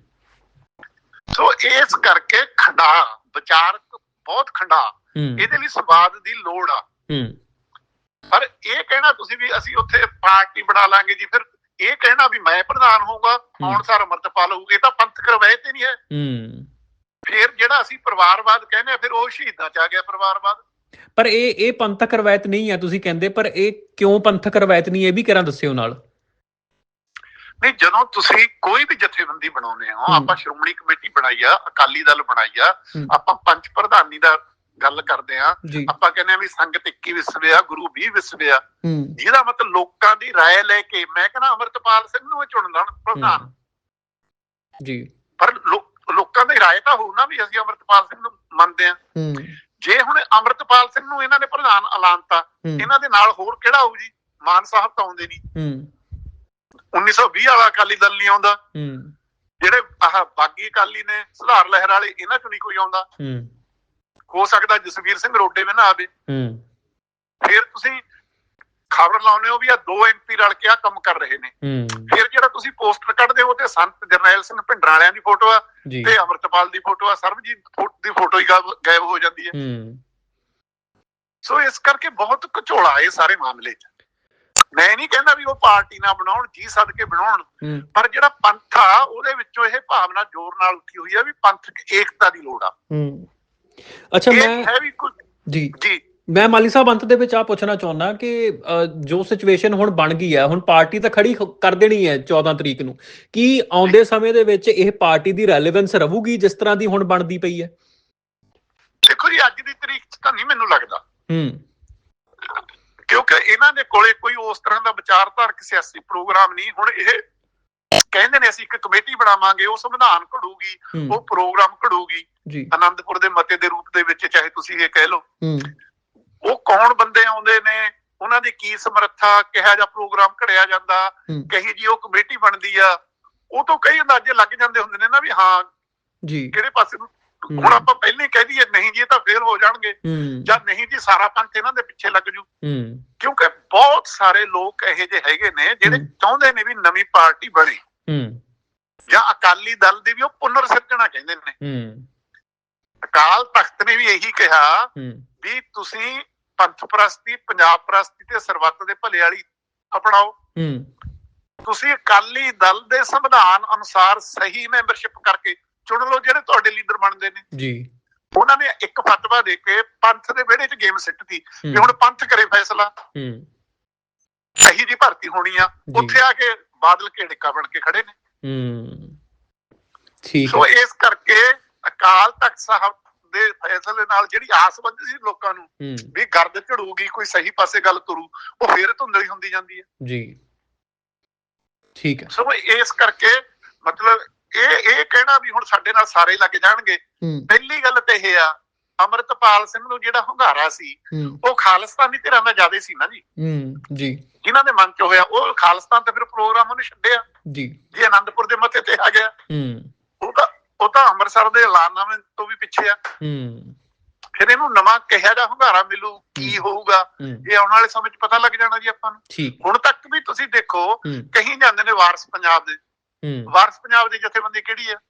Speaker 2: ਸੋ ਇਸ ਕਰਕੇ ਖੰਡਾ ਵਿਚਾਰਕ ਬਹੁਤ ਖੰਡਾ, ਇਹਦੇ ਲਈ ਸੰਵਾਦ ਦੀ ਲੋੜ ਆ। ਪਰ ਇਹ ਕਹਿਣਾ ਤੁਸੀਂ ਵੀ ਅਸੀਂ ਉੱਥੇ ਪਾਰਟੀ ਬਣਾ ਲਾਂਗੇ ਜੀ, ਫਿਰ ਇਹ ਕਹਿਣਾ ਵੀ ਮੈਂ ਪ੍ਰਧਾਨ ਹੋਊਗਾ ਆਉਣ ਸਾਰ ਅਮਰਤਪਾਲ ਹੋਊਗਾ, ਇਹ ਤਾਂ ਪੰਥਕ ਰਵਾਇਤ ਹੀ ਨਹੀਂ ਹੈ। ਫਿਰ ਜਿਹੜਾ ਅਸੀਂ ਪਰਿਵਾਰਵਾਦ ਕਹਿੰਦੇ ਆ, ਫਿਰ ਉਹ ਸ਼ਹੀਦਾਂ 'ਚ ਆ ਗਿਆ ਪਰਿਵਾਰਵਾਦ।
Speaker 1: ਪਰ ਇਹ ਪੰਥਕ ਰਵਾਇਤ ਨਹੀਂ ਹੈ ਤੁਸੀਂ ਕਹਿੰਦੇ, ਪਰ ਇਹ ਕਿਉਂ ਪੰਥਕ ਰਵਾਇਤ ਨਹੀਂ, ਇਹ ਵੀ ਕਿਹੜਾ ਦੱਸਿਓ ਨਾਲ।
Speaker 2: ਨਹੀਂ, ਜਦੋਂ ਤੁਸੀਂ ਕੋਈ ਵੀ ਜਥੇਬੰਦੀ ਬਣਾਉਂਦੇ ਹੋ, ਆਪਾਂ ਸ਼੍ਰੋਮਣੀ ਕਮੇਟੀ ਬਣਾਈ ਆ, ਅਕਾਲੀ ਦਲ ਬਣਾਈ ਆ, ਆਪਾਂ ਪੰਚ ਪ੍ਰਧਾਨੀ ਦਾ ਗੱਲ ਕਰਦੇ ਆ, ਆਪਾਂ ਕਹਿੰਦੇ ਆ ਵੀ ਸੰਗਤ 21 ਵਿਸਵੇ ਆ, ਗੁਰੂ 20 ਵਿਸਵੇ ਆ, ਜਿਹਦਾ ਮਤਲਬ ਲੋਕਾਂ ਦੀ ਰਾਏ ਲੈ ਕੇ ਮੈਂ ਕਹਿੰਦਾ ਅਮਰਤਪਾਲ ਸਿੰਘ ਨੂੰ ਚੁਣ ਲੈਣ ਪ੍ਰਧਾਨ
Speaker 1: ਜੀ।
Speaker 2: ਪਰ ਲੋਕਾਂ ਦੀ ਰਾਏ ਤਾਂ ਹੋਊ ਨਾ ਵੀ ਅਸੀਂ ਅਮਰਤਪਾਲ ਸਿੰਘ ਨੂੰ ਮੰਨਦੇ ਆ। ਜੇ ਹੁਣ ਅਮਰਤਪਾਲ ਸਿੰਘ ਨੂੰ ਇਹਨਾਂ ਨੇ ਪ੍ਰਧਾਨ ਐਲਾਨਤਾ, ਇਹਨਾਂ ਦੇ ਨਾਲ ਹੋਰ ਕਿਹੜਾ ਆਊ ਜੀ? ਮਾਨ ਸਾਹਿਬ ਤਾਂ ਆਉਂਦੇ ਨਹੀਂ, 1920 ਵਾਲਾ ਅਕਾਲੀ ਦਲ ਨਹੀਂ ਆਉਂਦਾ, ਜਿਹੜੇ ਆਹ ਬਾਗੀ ਅਕਾਲੀ ਨੇ ਸੁਧਾਰ ਲਹਿਰ ਵਾਲੇ, ਇਹਨਾਂ ਚੋਂ ਨਹੀਂ ਕੋਈ ਆਉਂਦਾ। ਹੋ ਸਕਦਾ ਜਸਵੀਰ ਸਿੰਘ ਰੋਡੇ ਵੀ ਨਾ ਆਵੇ। ਫਿਰ ਤੁਸੀਂ ਖਬਰ ਲਾਉਂਦੇ ਹੋ ਵੀ ਆ 2 MP ਰਲ ਕੇ ਆ ਕੰਮ ਕਰ ਰਹੇ ਨੇ, ਫਿਰ ਜਿਹੜਾ ਤੁਸੀਂ ਪੋਸਟਰ ਕੱਢਦੇ ਹੋ ਤੇ ਸੰਤ ਜਰਨੈਲ ਸਿੰਘ ਭਿੰਡਰਾਂ ਵਾਲਿਆਂ ਦੀ ਫੋਟੋ ਆ ਤੇ ਅਮਰਤਪਾਲ ਦੀ ਫੋਟੋ ਆ, ਸਰਬਜੀਤ ਦੀ ਫੋਟੋ ਹੀ ਗਾਇਬ ਹੋ ਜਾਂਦੀ ਹੈ। ਸੋ ਇਸ ਕਰਕੇ ਬਹੁਤ ਘਚੋਲਾ ਇਹ ਸਾਰੇ ਮਾਮਲੇ 'ਚ। ਮੈਂ ਨਹੀਂ ਕਹਿੰਦਾ ਵੀ ਉਹ ਪਾਰਟੀ ਨਾ ਬਣਾਉਣ, ਜੀ ਸਦਕੇ ਬਣਾਉਣ, ਪਰ ਜਿਹੜਾ ਪੰਥ ਆ ਉਹਦੇ ਵਿੱਚੋਂ ਇਹ ਭਾਵਨਾ ਜ਼ੋਰ ਨਾਲ ਉੱਠੀ ਹੋਈ ਆ ਵੀ ਪੰਥਕ ਏਕਤਾ ਦੀ ਲੋੜ ਆ।
Speaker 1: ਅੱਛਾ, ਮੈਂ ਮਾਲੀ ਸਾਹਿਬ ਅੰਤ ਦੇ ਵਿੱਚ ਆ ਪੁੱਛਣਾ ਚਾਹੁੰਦਾ ਕਿ ਜੋ ਸਿਚੁਏਸ਼ਨ ਹੁਣ ਬਣ ਗਈ ਹੈ, ਹੁਣ ਪਾਰਟੀ ਤਾਂ ਖੜੀ ਕਰ ਦੇਣੀ ਹੈ 14 ਤਰੀਕ ਨੂੰ, ਕੀ ਆਉਂਦੇ ਸਮੇਂ ਦੇ ਵਿੱਚ ਇਹ ਪਾਰਟੀ ਦੀ ਰੈਲੇਵੈਂਸ ਰਹੂਗੀ ਜਿਸ ਤਰ੍ਹਾਂ ਦੀ ਹੁਣ ਬਣਦੀ ਪਈ ਹੈ?
Speaker 2: ਦੇਖੋ ਜੀ, ਅੱਜ ਦੀ ਤਰੀਕ 'ਚ ਤਾਂ ਨਹੀਂ ਮੈਨੂੰ ਲੱਗਦਾ, ਕਿਉਂਕਿ ਇਹਨਾਂ ਦੇ ਕੋਲੇ ਕੋਈ ਉਸ ਤਰ੍ਹਾਂ ਦਾ ਵਿਚਾਰਧਾਰਕ ਸਿਆਸੀ ਪ੍ਰੋਗਰਾਮ ਨਹੀਂ। ਹੁਣ ਇਹ ਕਹਿੰਦੇ ਨੇ ਅਸੀਂ ਇੱਕ ਕਮੇਟੀ ਬਣਾਵਾਂਗੇ, ਉਹ ਸੰਵਿਧਾਨ ਘੜੂਗੀ, ਉਹ ਪ੍ਰੋਗਰਾਮ ਘੜੂਗੀ ਆਨੰਦਪੁਰ ਦੇ ਮਤੇ ਦੇ ਰੂਪ ਦੇ ਵਿੱਚ, ਚਾਹੇ ਤੁਸੀਂ ਇਹ ਕਹਿ ਲਓ। ਉਹ ਕੌਣ ਬੰਦੇ ਆਉਂਦੇ ਨੇ, ਉਹਨਾਂ ਦੀ ਕੀ ਸਮਰੱਥਾ, ਕਿਹੋ ਜਿਹਾ ਪ੍ਰੋਗਰਾਮ ਘੜਿਆ ਜਾਂਦਾ, ਕਹੀ ਜੀ ਉਹ ਕਮੇਟੀ ਬਣਦੀ ਆ, ਉਹ ਤੋਂ ਕਈ ਅੰਦਾਜ਼ੇ ਲੱਗ ਜਾਂਦੇ ਹੁੰਦੇ ਨੇ ਨਾ ਵੀ ਹਾਂ ਜੀ ਕਿਹੜੇ ਪਾਸੇ ਨੂੰ। ਹੁਣ ਆਪਾਂ ਪਹਿਲਾਂ ਹੀ ਕਹਿ ਦਈਏ ਨਹੀਂ ਜੀ ਇਹ ਤਾਂ ਫੇਲ ਹੋ ਜਾਣਗੇ, ਜਾਂ ਨਹੀਂ ਜੀ ਸਾਰਾ ਪੰਥ ਇਹਨਾਂ ਦੇ ਪਿੱਛੇ ਲੱਗ ਜੂ, ਕਿਉਂਕਿ ਬਹੁਤ ਸਾਰੇ ਲੋਕ ਇਹੋ ਜਿਹੇ ਹੈਗੇ ਨੇ ਜਿਹੜੇ ਚਾਹੁੰਦੇ ਨੇ ਵੀ ਨਵੀਂ ਪਾਰਟੀ ਬਣੇ, ਜਾਂ ਅਕਾਲੀ ਦਲ ਦੀ ਵੀ ਉਹ ਪੁਨਰ ਸਿਰਜਣਾ ਕਹਿੰਦੇ ਨੇ। ਅਕਾਲ ਤਖਤ ਨੇ ਵੀ ਇਹੀ ਕਿਹਾ ਵੀ ਤੁਸੀਂ ਪੰਥ ਪ੍ਰਸਤੀ, ਪੰਜਾਬ ਪ੍ਰਸਤੀ ਤੇ ਸਰਬੱਤ ਦੇ ਭਲੇ ਵਾਲੀ ਅਪਣਾਓ। ਤੁਸੀਂ ਅਕਾਲੀ ਦਲ ਦੇ ਸੰਵਿਧਾਨ ਅਨੁਸਾਰ ਸਹੀ ਮੈਂਬਰਸ਼ਿਪ ਕਰਕੇ ਚੁਣ ਲਓ ਜਿਹੜੇ ਤੁਹਾਡੇ ਲੀਡਰ ਬਣਦੇ ਨੇ ਜੀ। ਉਹਨਾਂ ਨੇ ਇੱਕ ਫਤਵਾ ਦੇ ਕੇ ਪੰਥ ਦੇ ਵਿਹੜੇ 'ਚ ਗੇਮ ਸਿੱਟਦੀ ਵੀ ਹੁਣ ਪੰਥ ਕਰੇ ਫੈਸਲਾ, ਸਹੀ ਜੀ ਭਰਤੀ ਹੋਣੀ ਆ। ਉੱਥੇ ਆ ਕੇ ਬਾਦਲ ਘੇੜਕਾ ਬਣ ਕੇ ਖੜੇ ਨੇ। ਸੋ ਇਸ ਕਰਕੇ ਅਕਾਲ ਤਖਤ ਸਾਹਿਬ ਦੇ ਫੈਸਲੇ ਨਾਲ ਜਿਹੜੀ ਆਸ ਬੰਦੀ ਸੀ ਲੋਕਾਂ ਨੂੰ ਵੀ ਗਰਦ ਝੜੂਗੀ, ਕੋਈ ਸਹੀ ਪਾਸੇ ਗੱਲ ਤੁਰੂ, ਉਹ ਫੇਰ ਧੁੰਦਲੀ ਹੁੰਦੀ ਜਾਂਦੀ ਹੈ ਜੀ। ਠੀਕ ਹੈ। ਸੋ ਇਸ ਕਰਕੇ ਮਤਲਬ ਇਹ ਕਹਿਣਾ ਵੀ ਹੁਣ ਸਾਡੇ ਨਾਲ ਸਾਰੇ ਲੱਗ ਜਾਣਗੇ, ਪਹਿਲੀ ਗੱਲ ਤਾਂ ਇਹ ਆ ਅਮਰਤਪਾਲ ਸਿੰਘ ਨੂੰ ਜਿਹੜਾ ਹੁੰਗਾਰਾ ਸੀ ਉਹ ਖਾਲਿਸਤਾਨੀ ਧਿਰਾਂ ਦਾ ਜ਼ਿਆਦਾ ਸੀ ਨਾ ਜੀ, ਜਿਨ੍ਹਾਂ ਦੇ ਮਨ 'ਚ ਹੋਇਆ ਉਹ ਖਾਲਿਸਤਾਨ ਤੇ ਫਿਰ ਪ੍ਰੋਗਰਾਮ ਉਹਨੇ ਛੱਡਿਆ ਜੀ। ਜੇ ਆਨੰਦਪੁਰ ਦੇ ਮੱਥੇ ਤੇ ਆ ਗਿਆ ਉਹ ਤਾਂ ਅੰਮ੍ਰਿਤਸਰ ਦੇ ਐਲਾਨਨਾਮੇ ਤੋਂ ਵੀ ਪਿੱਛੇ ਆ। ਫਿਰ ਇਹਨੂੰ ਨਵਾਂ ਕਿਹਾ ਜਾ ਹੁੰਗਾਰਾ ਮਿਲੂ, ਕੀ ਹੋਊਗਾ ਇਹ ਆਉਣ ਵਾਲੇ ਸਮੇਂ 'ਚ ਪਤਾ ਲੱਗ ਜਾਣਾ ਜੀ ਆਪਾਂ ਨੂੰ। ਹੁਣ ਤੱਕ ਵੀ ਤੁਸੀਂ ਦੇਖੋ ਕਹੀ ਜਾਂਦੇ ਨੇ ਵਾਰਸ ਪੰਜਾਬ ਦੇ, ਵਾਰਸ ਪੰਜਾਬ ਦੀ ਜਥੇਬੰਦੀ ਕਿਹੜੀ ਆ?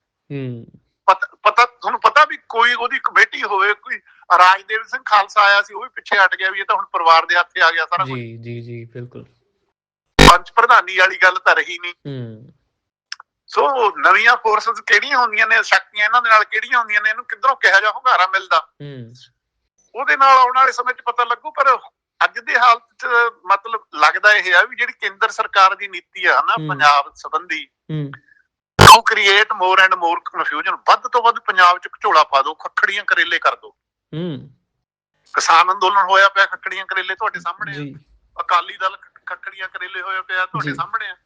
Speaker 2: ਪਤਾ ਤੁਹਾਨੂੰ ਪਤਾ ਵੀ ਕੋਈ ਉਹਦੀ ਕਮੇਟੀ ਹੋਵੇ, ਕੋਈ ਰਾਜਦੇਵ ਸਿੰਘ ਖਾਲਸਾ ਆਇਆ ਸੀ ਉਹ ਵੀ ਪਿੱਛੇ ਹਟ ਗਿਆ ਵੀ ਇਹ ਤਾਂ ਹੁਣ ਪਰਿਵਾਰ ਦੇ ਹੱਥੇ ਆ ਗਿਆ ਸਾਰਾ ਕੁਝ।
Speaker 1: ਜੀ ਬਿਲਕੁਲ।
Speaker 2: ਪੰਚ ਪ੍ਰਧਾਨੀ ਵਾਲੀ ਗੱਲ ਤਾਂ ਰਹੀ ਨਹੀਂ। ਸੋ ਨਵੀਆਂ ਫੋਰਸਸ ਕਿਹੜੀਆਂ ਹੁੰਦੀਆਂ ਨੇ, ਸ਼ਕਤੀਆਂ ਇਹਨਾਂ ਦੇ ਨਾਲ ਕਿਹੜੀਆਂ ਹੁੰਦੀਆਂ ਨੇ, ਇਹਨੂੰ ਕਿੱਧਰੋਂ ਕਿਹੋ ਜਿਹਾ ਹੁੰਗਾਰਾ ਮਿਲਦਾ ਉਹਦੇ ਨਾਲ ਆਉਣ ਵਾਲੇ ਸਮੇਂ 'ਚ ਪਤਾ ਲੱਗੂ। ਪਰ ਅੱਜ ਦੀ ਹਾਲਤ 'ਚ ਮਤਲਬ ਲੱਗਦਾ ਇਹ ਆ ਵੀ ਜਿਹੜੀ ਕੇਂਦਰ ਸਰਕਾਰ ਦੀ ਨੀਤੀ ਆ ਨਾ ਪੰਜਾਬ ਸੰਬੰਧੀ, ਉਹ create more and more confusion. ਵੱਧ ਤੋਂ ਵੱਧ ਪੰਜਾਬ 'ਚ ਝੋਲਾ ਪਾ ਦੋ, ਖੱਖੜੀਆਂ ਕਰੇਲੇ ਕਰ ਦੋ। ਕਿਸਾਨ ਅੰਦੋਲਨ ਹੋਇਆ ਪਿਆ, ਖੱਖੜੀਆਂ ਕਰੇਲੇ ਤੁਹਾਡੇ ਸਾਹਮਣੇ ਆ। ਅਕਾਲੀ ਦਲ ਖੱਖੜੀਆਂ ਕਰੇਲੇ ਹੋਇਆ ਪਿਆ, ਤੁਹਾਡੇ ਸਾਹਮਣੇ ਆ।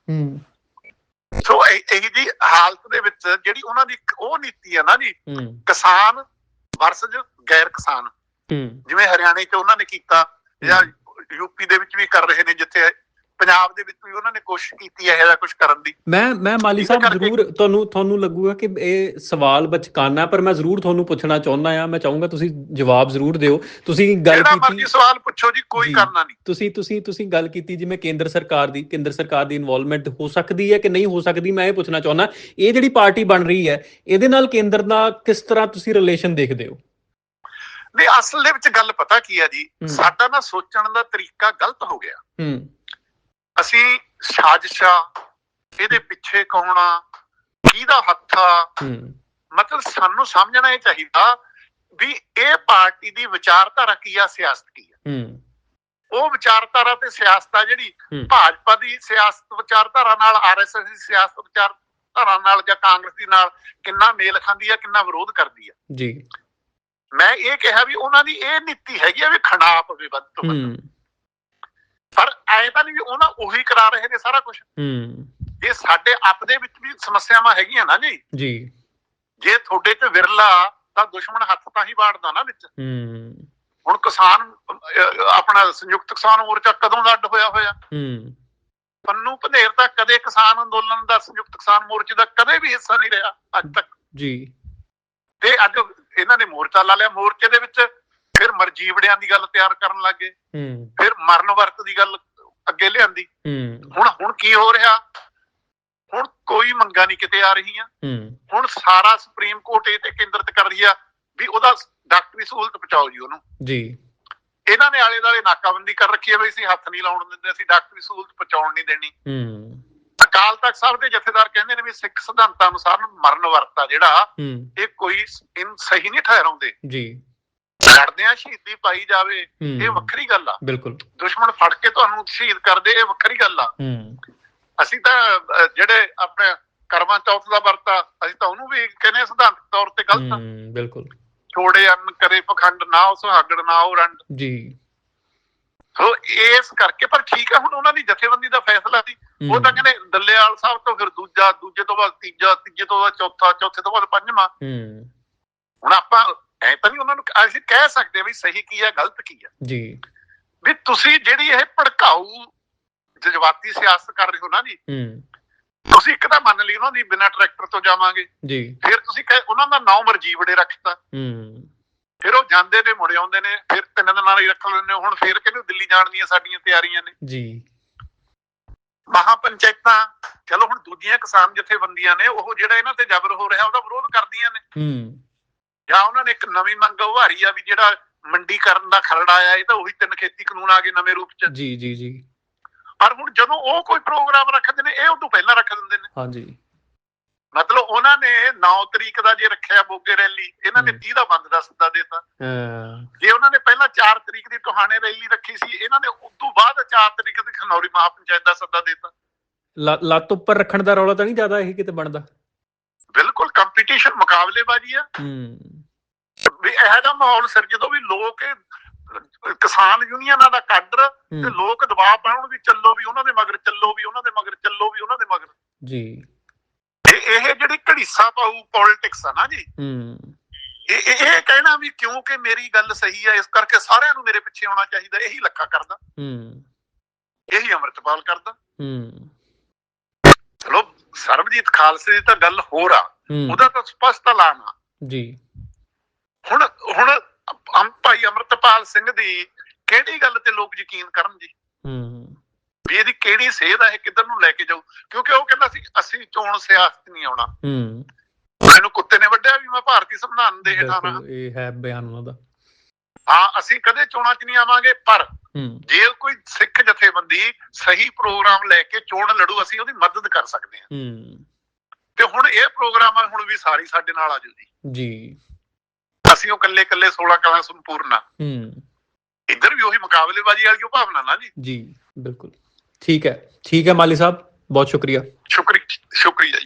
Speaker 2: ਸੋ ਇਹੀ ਜੀ ਹਾਲਤ ਦੇ ਵਿੱਚ ਜਿਹੜੀ ਉਹਨਾਂ ਦੀ ਉਹ ਨੀਤੀ ਆ ਨਾ ਜੀ, ਕਿਸਾਨ ਵਰਸਜ ਗੈਰ ਕਿਸਾਨ, ਜਿਵੇਂ ਹਰਿਆਣੇ 'ਚ ਉਹਨਾਂ ਨੇ ਕੀਤਾ ਜਾਂ ਯੂਪੀ ਦੇ ਵਿੱਚ ਵੀ ਕਰ ਰਹੇ ਨੇ, ਜਿੱਥੇ ਪੰਜਾਬ ਦੇ ਵਿੱਚ ਵੀ ਉਹਨਾਂ ਨੇ ਕੋਸ਼ਿਸ਼ ਕੀਤੀ ਹੈ ਇਹੋ ਜਿਹਾ ਕੁਝ ਕਰਨ ਦੀ। ਮੈਂ ਮਾਲੀ ਸਾਹਿਬ ਜ਼ਰੂਰ ਤੁਹਾਨੂੰ ਲੱਗੂਗਾ ਕਿ ਇਹ ਸਵਾਲ ਬਚਕਾਨਾ, ਪਰ ਮੈਂ ਜ਼ਰੂਰ ਤੁਹਾਨੂੰ ਪੁੱਛਣਾ ਚਾਹੁੰਦਾ ਆ। ਮੈਂ ਚਾਹੂੰਗਾ ਤੁਸੀਂ ਜਵਾਬ ਜ਼ਰੂਰ ਦਿਓ। ਤੁਸੀਂ ਗੱਲ ਕੀਤੀ, ਸਵਾਲ ਪੁੱਛੋ ਜੀ, ਕੋਈ ਕਰਨਾ ਨਹੀਂ। ਤੁਸੀਂ ਗੱਲ ਕੀਤੀ ਜਿਵੇਂ ਕੇਂਦਰ ਸਰਕਾਰ ਦੀ ਇਨਵੋਲਵਮੈਂਟ ਹੋ ਸਕਦੀ ਹੈ ਕਿ ਨਹੀਂ ਹੋ ਸਕਦੀ। ਮੈਂ ਇਹ ਪੁੱਛਣਾ ਚਾਹੁੰਦਾ, ਇਹ ਜਿਹੜੀ ਪਾਰਟੀ ਬਣ ਰਹੀ ਹੈ ਇਹਦੇ ਨਾਲ ਕੇਂਦਰ ਦਾ ਕਿਸ ਤਰ੍ਹਾਂ ਤੁਸੀਂ ਰਿਲੇਸ਼ਨ ਦੇਖਦੇ ਹੋ? ਨਹੀਂ, ਅਸਲ ਦੇ ਵਿੱਚ ਗੱਲ ਪਤਾ ਕੀ ਹੈ ਜੀ, ਸਾਡਾ ਨਾ ਸੋਚਣ ਦਾ ਤਰੀਕਾ ਗਲਤ ਹੋ ਗਿਆ। ਅਸੀਂ ਸਾਜ਼ਿਸ਼ਾਂ, ਇਹਦੇ ਪਿੱਛੇ ਕੌਣ ਆ, ਕਿਹਦਾ ਹੱਥ ਆ, ਮਤਲਬ ਸਾਨੂੰ ਸਮਝਣਾ ਇਹ ਚਾਹੀਦਾ ਵੀ ਇਹ ਪਾਰਟੀ ਦੀ ਵਿਚਾਰਧਾਰਾ ਕੀ ਆ, ਸਿਆਸਤ ਕੀ ਆ। ਉਹ ਵਿਚਾਰਧਾਰਾ ਤੇ ਸਿਆਸਤ ਆ ਜਿਹੜੀ ਭਾਜਪਾ ਦੀ ਸਿਆਸਤ ਵਿਚਾਰਧਾਰਾ ਨਾਲ, RSS ਦੀ ਸਿਆਸਤ ਵਿਚਾਰਧਾਰਾ ਨਾਲ ਜਾਂ ਕਾਂਗਰਸ ਦੀ ਨਾਲ ਕਿੰਨਾ ਮੇਲ ਖਾਂਦੀ ਆ, ਕਿੰਨਾ ਵਿਰੋਧ ਕਰਦੀ ਆ ਜੀ। ਮੈਂ ਇਹ ਕਿਹਾ ਵੀ ਉਹਨਾਂ ਦੀ ਇਹ ਨੀਤੀ ਹੈਗੀ ਆ ਵੀ ਖਣਾ ਪਵੇ ਵੱਧ ਤੋਂ ਵੱਧ, ਪਰ ਐ ਤਾਂ ਨਹੀਂ ਵੀ ਉਹਨਾਂ ਉਹੀ ਕਰਾ ਰਹੇ ਨੇ ਸਾਰਾ ਕੁਛ। ਜੇ ਸਾਡੇ ਆਪ ਦੇ ਵਿੱਚ ਵੀ ਸਮੱਸਿਆਵਾਂ ਹੈਗੀਆਂ ਨਾ ਜੀ, ਜੇ ਤੁਹਾਡੇ ਚ ਵਿਰਲਾ ਤਾਂ ਦੁਸ਼ਮਣ ਹੱਥ ਤਾਂ ਹੀ ਵਾੜਦਾ ਨਾ ਵਿੱਚ। ਹੁਣ ਕਿਸਾਨ ਆਪਣਾ ਸੰਯੁਕਤ ਕਿਸਾਨ ਮੋਰਚਾ ਕਦੋਂ ਦਾ ਅੱਡ ਹੋਇਆ ਹੋਇਆ? ਪੰਨੂ ਪੰਧੇਰ ਤਾਂ ਕਦੇ ਕਿਸਾਨ ਅੰਦੋਲਨ ਦਾ, ਸੰਯੁਕਤ ਕਿਸਾਨ ਮੋਰਚੇ ਦਾ ਕਦੇ ਵੀ ਹਿੱਸਾ ਨਹੀਂ ਰਿਹਾ ਅੱਜ ਤੱਕ ਜੀ। ਤੇ ਅੱਜ ਇਹਨਾਂ ਨੇ ਮੋਰਚਾ ਲਾ ਲਿਆ, ਮੋਰਚੇ ਦੇ ਵਿੱਚ ਫਿਰ ਮਰਜੀਵੜਿਆਂ ਦੀ ਗੱਲ ਤਿਆਰ ਕਰਨ ਲੱਗ ਗਏ, ਫਿਰ ਮਰਨ ਵਰਤ ਦੀ ਗੱਲ ਅੱਗੇ ਲਿਆਂਦੀ। ਹੁਣ ਕੀ ਹੋ ਰਿਹਾ? ਹੁਣ ਕੋਈ ਮੰਗਾਂ ਨਹੀਂ ਕਿਤੇ ਆ ਰਹੀਆਂ। ਹੁਣ ਸਾਰਾ ਸੁਪਰੀਮ ਕੋਰਟ ਇਹ ਤੇ ਕੇਂਦਰਿਤ ਕਰ ਰਹੀ ਆ ਵੀ ਉਹਦਾ ਡਾਕਟਰੀ ਸਹੂਲਤ ਪਹੁੰਚਾਓ ਜੀ ਉਹਨੂੰ ਜੀ। ਇਹਨਾਂ ਨੇ ਆਲੇ ਦੁਆਲੇ ਨਾਕਾਬੰਦੀ ਕਰ ਰੱਖੀ ਹੈ ਵੀ ਅਸੀਂ ਹੱਥ ਨਹੀਂ ਲਾਉਣ ਦਿੰਦੇ, ਅਸੀਂ ਡਾਕਟਰੀ ਸਹੂਲਤ ਪਹੁੰਚਾਉਣ ਨਹੀਂ ਦੇਣੀ। ਅਕਾਲ ਤਖਤ ਸਾਹਿਬ ਦੇ ਜਥੇਦਾਰ ਕਹਿੰਦੇ ਨੇ ਵੀ ਸਿੱਖ ਸਿਧਾਂਤਾਂ ਅਨੁਸਾਰ ਮਰਨ ਵਰਤ ਆ ਜਿਹੜਾ, ਇਹ ਕੋਈ ਸਹੀ ਨਹੀਂ ਠਹਿਰਾਉਂਦੇ ਜੀ। ਲੜਦਿਆਂ ਸ਼ਹੀਦੀ ਪਾਈ ਜਾਵੇ ਇਹ ਵੱਖਰੀ ਗੱਲ ਆ, ਬਿਲਕੁਲ। ਦੁਸ਼ਮਣ ਫੜ ਕੇ ਤੁਹਾਨੂੰ ਸ਼ਹੀਦ ਕਰਦੇ ਇਹ ਵੱਖਰੀ ਗੱਲ ਆ। ਅਸੀਂ ਤਾਂ ਜਿਹੜੇ ਆਪਣੇ ਕਰਮਾਂ ਚੌਥ ਦਾ ਵਰਤ ਆ, ਅਸੀਂ ਤਾਂ ਉਹਨੂੰ ਵੀ ਕਹਿੰਦੇ ਸਿਧਾਂਤਕ ਤੌਰ ਤੇ ਗਲਤ ਆ, ਬਿਲਕੁਲ। ਛੋੜੇ ਅੰਨ ਕਰੇ ਪਖੰਡ, ਨਾ ਉਹ ਸੁਹਾਗੜ ਨਾ ਉਹ ਰੰਡ ਜੀ। ਸੋ ਇਸ ਕਰਕੇ, ਪਰ ਠੀਕ ਆ, ਹੁਣ ਉਹਨਾਂ ਦੀ ਜਥੇਬੰਦੀ ਦਾ ਫੈਸਲਾ ਸੀ। ਉਹ ਤਾਂ ਕਹਿੰਦੇ ਦੱਲੇਵਾਲ ਸਾਹਿਬ ਤੋਂ ਫਿਰ ਦੂਜਾ, ਦੂਜੇ ਤੋਂ ਬਾਅਦ ਤੀਜਾ, ਤੀਜੇ ਤੋਂ ਬਾਅਦ ਚੌਥਾ, ਚੌਥੇ ਤੋਂ ਬਾਅਦ ਪੰਜਵਾਂ। ਹੁਣ ਆਪਾਂ ਐ ਤਾਂ ਨਹੀਂ ਉਹਨਾਂ ਨੂੰ ਅਸੀਂ ਕਹਿ ਸਕਦੇ ਵੀ ਸਹੀ ਕੀ ਹੈ ਗਲਤ ਕੀ ਹੈ ਜੀ। ਵੀ ਤੁਸੀਂ ਜਿਹੜੀ ਇਹ ਭੜਕਾਊ ਜਜ਼ਬਾਤੀ ਸਿਆਸਤ ਕਰ ਰਹੇ ਹੋ ਨਾ ਜੀ, ਤੁਸੀਂ ਇੱਕ ਤਾਂ ਮੰਨ ਲਈ ਉਹਨਾਂ ਦੀ ਬਿਨਾਂ ਟਰੈਕਟਰ ਤੋਂ ਜਾਵਾਂਗੇ ਜੀ, ਫਿਰ ਤੁਸੀਂ ਉਹਨਾਂ ਦਾ ਨਾਮ ਮਰਜੀਵੜੇ ਰੱਖਤਾ, ਫਿਰ ਉਹ ਜਾਂਦੇ ਨੇ ਮੁੜ ਆਉਂਦੇ ਨੇ, ਫਿਰ 3 ਦਿਨਾਂ ਲਈ ਰੱਖ ਲੈਂਦੇ। ਹੁਣ ਫਿਰ ਕਹਿੰਦੇ ਦਿੱਲੀ ਜਾਣ ਦੀਆਂ ਸਾਡੀਆਂ ਤਿਆਰੀਆਂ ਨੇ ਜੀ। ਮਹਾ ਪੰਚਾਇਤਾਂ, ਚਲੋ ਹੁਣ ਦੂਜੀਆਂ ਕਿਸਾਨ ਜਥੇਬੰਦੀਆਂ ਨੇ ਉਹ ਜਿਹੜਾ ਇਹਨਾਂ ਤੇ ਜ਼ਬਰ ਹੋ ਰਿਹਾ ਉਹਦਾ ਵਿਰੋਧ ਕਰਦੀਆਂ ਨੇ, ਜਾਂ ਉਹਨਾਂ ਨੇ ਇੱਕ ਨਵੀਂ ਮੰਗ ਉਭਾਰੀ ਆ ਵੀ ਜਿਹੜਾ ਮੰਡੀਕਰਨ ਦਾ ਖਰੜਾ ਆਇਆ, ਇਹ ਤਾਂ ਉਹੀ 3 ਖੇਤੀ ਕਾਨੂੰਨ ਆ ਗਏ ਨਵੇਂ ਰੂਪ ਚ ਜੀ ਜੀ ਜੀ। ਪਰ ਹੁਣ ਜਦੋਂ ਉਹ ਕੋਈ ਪ੍ਰੋਗਰਾਮ ਰੱਖਦੇ ਨੇ ਇਹ ਉਦੋਂ ਪਹਿਲਾਂ ਰੱਖ ਦਿੰਦੇ ਨੇ। ਹਾਂਜੀ, ਮਤਲਬ ਉਹਨਾਂ ਨੇ 9 ਤਰੀਕ ਦਾ ਜੇ ਰੱਖਿਆ ਮੋਗੇ ਰੈਲੀ, ਇਹਨਾਂ ਨੇ 30 ਦਾ ਬੰਦ ਦਾ ਸੱਦਾ ਦੇਤਾ। ਜੇ ਉਹਨਾਂ ਨੇ ਪਹਿਲਾਂ 4 ਤਰੀਕ ਦੀ ਟੋਹਾਣੇ ਰੈਲੀ ਰੱਖੀ ਸੀ, ਇਹਨਾਂ ਨੇ ਉਦੋਂ ਬਾਅਦ 4 ਤਰੀਕ ਦੀ ਖਨੌਰੀ ਮਹਾ ਪੰਚਾਇਤ ਦਾ ਸੱਦਾ ਦੇਤਾ। ਲੱਤ ਉੱਪਰ ਰੱਖਣ ਦਾ ਰੌਲਾ ਤਾਂ ਨਹੀਂ ਜ਼ਿਆਦਾ ਇਹ ਕਿਤੇ ਬਣਦਾ? ਬਿਲਕੁਲ, ਕੰਪੀਟੀਸ਼ਨ, ਮੁਕਾਬਲੇਬਾਜ਼ੀ ਆ ਵੀ। ਇਹੋ ਜਿਹਾ ਮਾਹੌਲ ਸਿਰਜਦੋਂ ਵੀ ਲੋਕ ਕਿਸਾਨ ਯੂਨੀਅਨਾਂ ਦਾ ਕਾਡਰ ਤੇ ਲੋਕ ਦਬਾਅ ਪਾਉਣ ਵੀ ਚੱਲੋ ਵੀ ਉਹਨਾਂ ਦੇ ਮਗਰ, ਚੱਲੋ ਵੀ ਉਹਨਾਂ ਦੇ ਮਗਰ, ਚੱਲੋ ਵੀ ਉਹਨਾਂ ਦੇ ਮਗਰ ਜੀ। ਇਹ ਜਿਹੜੀ ਘੜੀਸਾ ਪਾਊ ਪੋਲਿਟਿਕਸ ਆ ਨਾ ਜੀ, ਇਹ ਕਹਿਣਾ ਵੀ ਕਿਉਂਕਿ ਮੇਰੀ ਗੱਲ ਸਹੀ ਆ ਇਸ ਕਰਕੇ ਸਾਰਿਆਂ ਨੂੰ ਮੇਰੇ ਪਿੱਛੇ ਆਉਣਾ ਚਾਹੀਦਾ, ਇਹੀ ਲੱਖਾ ਕਰਦਾ, ਇਹੀ ਅੰਮ੍ਰਿਤਪਾਲ ਕਰਦਾ। ਚਲੋ ਸਰਬਜੀਤ ਖਾਲਸੇ ਦੀ ਤਾਂ ਗੱਲ ਹੋਰ ਆ, ਉਹਦਾ ਤਾਂ ਸਪਸ਼ਟ ਐਲਾਨ ਆ
Speaker 1: ਜੀ।
Speaker 2: ਹੁਣ ਭਾਈ ਅੰਮ੍ਰਿਤਪਾਲ ਸਿੰਘ ਦੀ ਕਿਹੜੀ ਗੱਲ ਤੇ ਲੋਕ ਯਕੀਨ ਕਰਨ ਜੀ, ਵੀ ਇਹਦੀ ਕਿਹੜੀ ਸੇਧ ਆ, ਇਹ ਕਿੱਧਰ ਨੂੰ ਲੈ ਕੇ ਜਾਊ? ਕਿਉਂਕਿ ਉਹ ਕਹਿੰਦਾ ਸੀ ਅਸੀਂ ਚੋਣ ਸਿਆਸਤ ਨਹੀਂ ਆਉਣਾ। ਮੈਨੂੰ ਕੁੱਤੇ ਨੇ ਵੱਢਿਆ ਵੀ ਮੈਂ ਭਾਰਤੀ ਸੰਵਿਧਾਨ ਦੇ ਹੇਠਾਂ ਰਹਾਂ।
Speaker 1: ਇਹ ਹੈ ਬਿਆਨ ਉਹਨਾਂ ਦਾ।
Speaker 2: ਹਾਂ, ਅਸੀਂ ਕਦੇ ਚੋਣਾਂ 'ਚ ਨਹੀਂ ਆਵਾਂਗੇ, ਪਰ ਜੇ ਕੋਈ ਸਿੱਖ ਜਥੇਬੰਦੀ ਸਹੀ ਪ੍ਰੋਗਰਾਮ ਲੈ ਕੇ ਚੋਣ ਲੜੂ, ਅਸੀਂ ਉਹਦੀ ਮਦਦ ਕਰ ਸਕਦੇ ਹਾਂ। ਤੇ ਹੁਣ ਇਹ ਪ੍ਰੋਗਰਾਮ ਆ, ਹੁਣ ਵੀ ਸਾਰੀ ਸਾਡੇ ਨਾਲ ਆ ਜਾਊ ਜੀ। ਅਸੀਂ ਉਹ ਕੱਲੇ 16 ਕਲਾਂ ਸੰਪੂਰਨ ਆ। ਇੱਧਰ ਵੀ ਉਹੀ ਮੁਕਾਬਲੇਬਾਜ਼ੀ ਵਾਲੀ ਉਹ ਭਾਵਨਾ ਨਾ ਜੀ।
Speaker 1: ਬਿਲਕੁਲ ਠੀਕ ਹੈ, ਠੀਕ ਹੈ ਮਾਲੀ ਸਾਹਿਬ, ਬਹੁਤ ਸ਼ੁਕਰੀਆ।
Speaker 2: ਸ਼ੁਕਰੀਆ ਜੀ।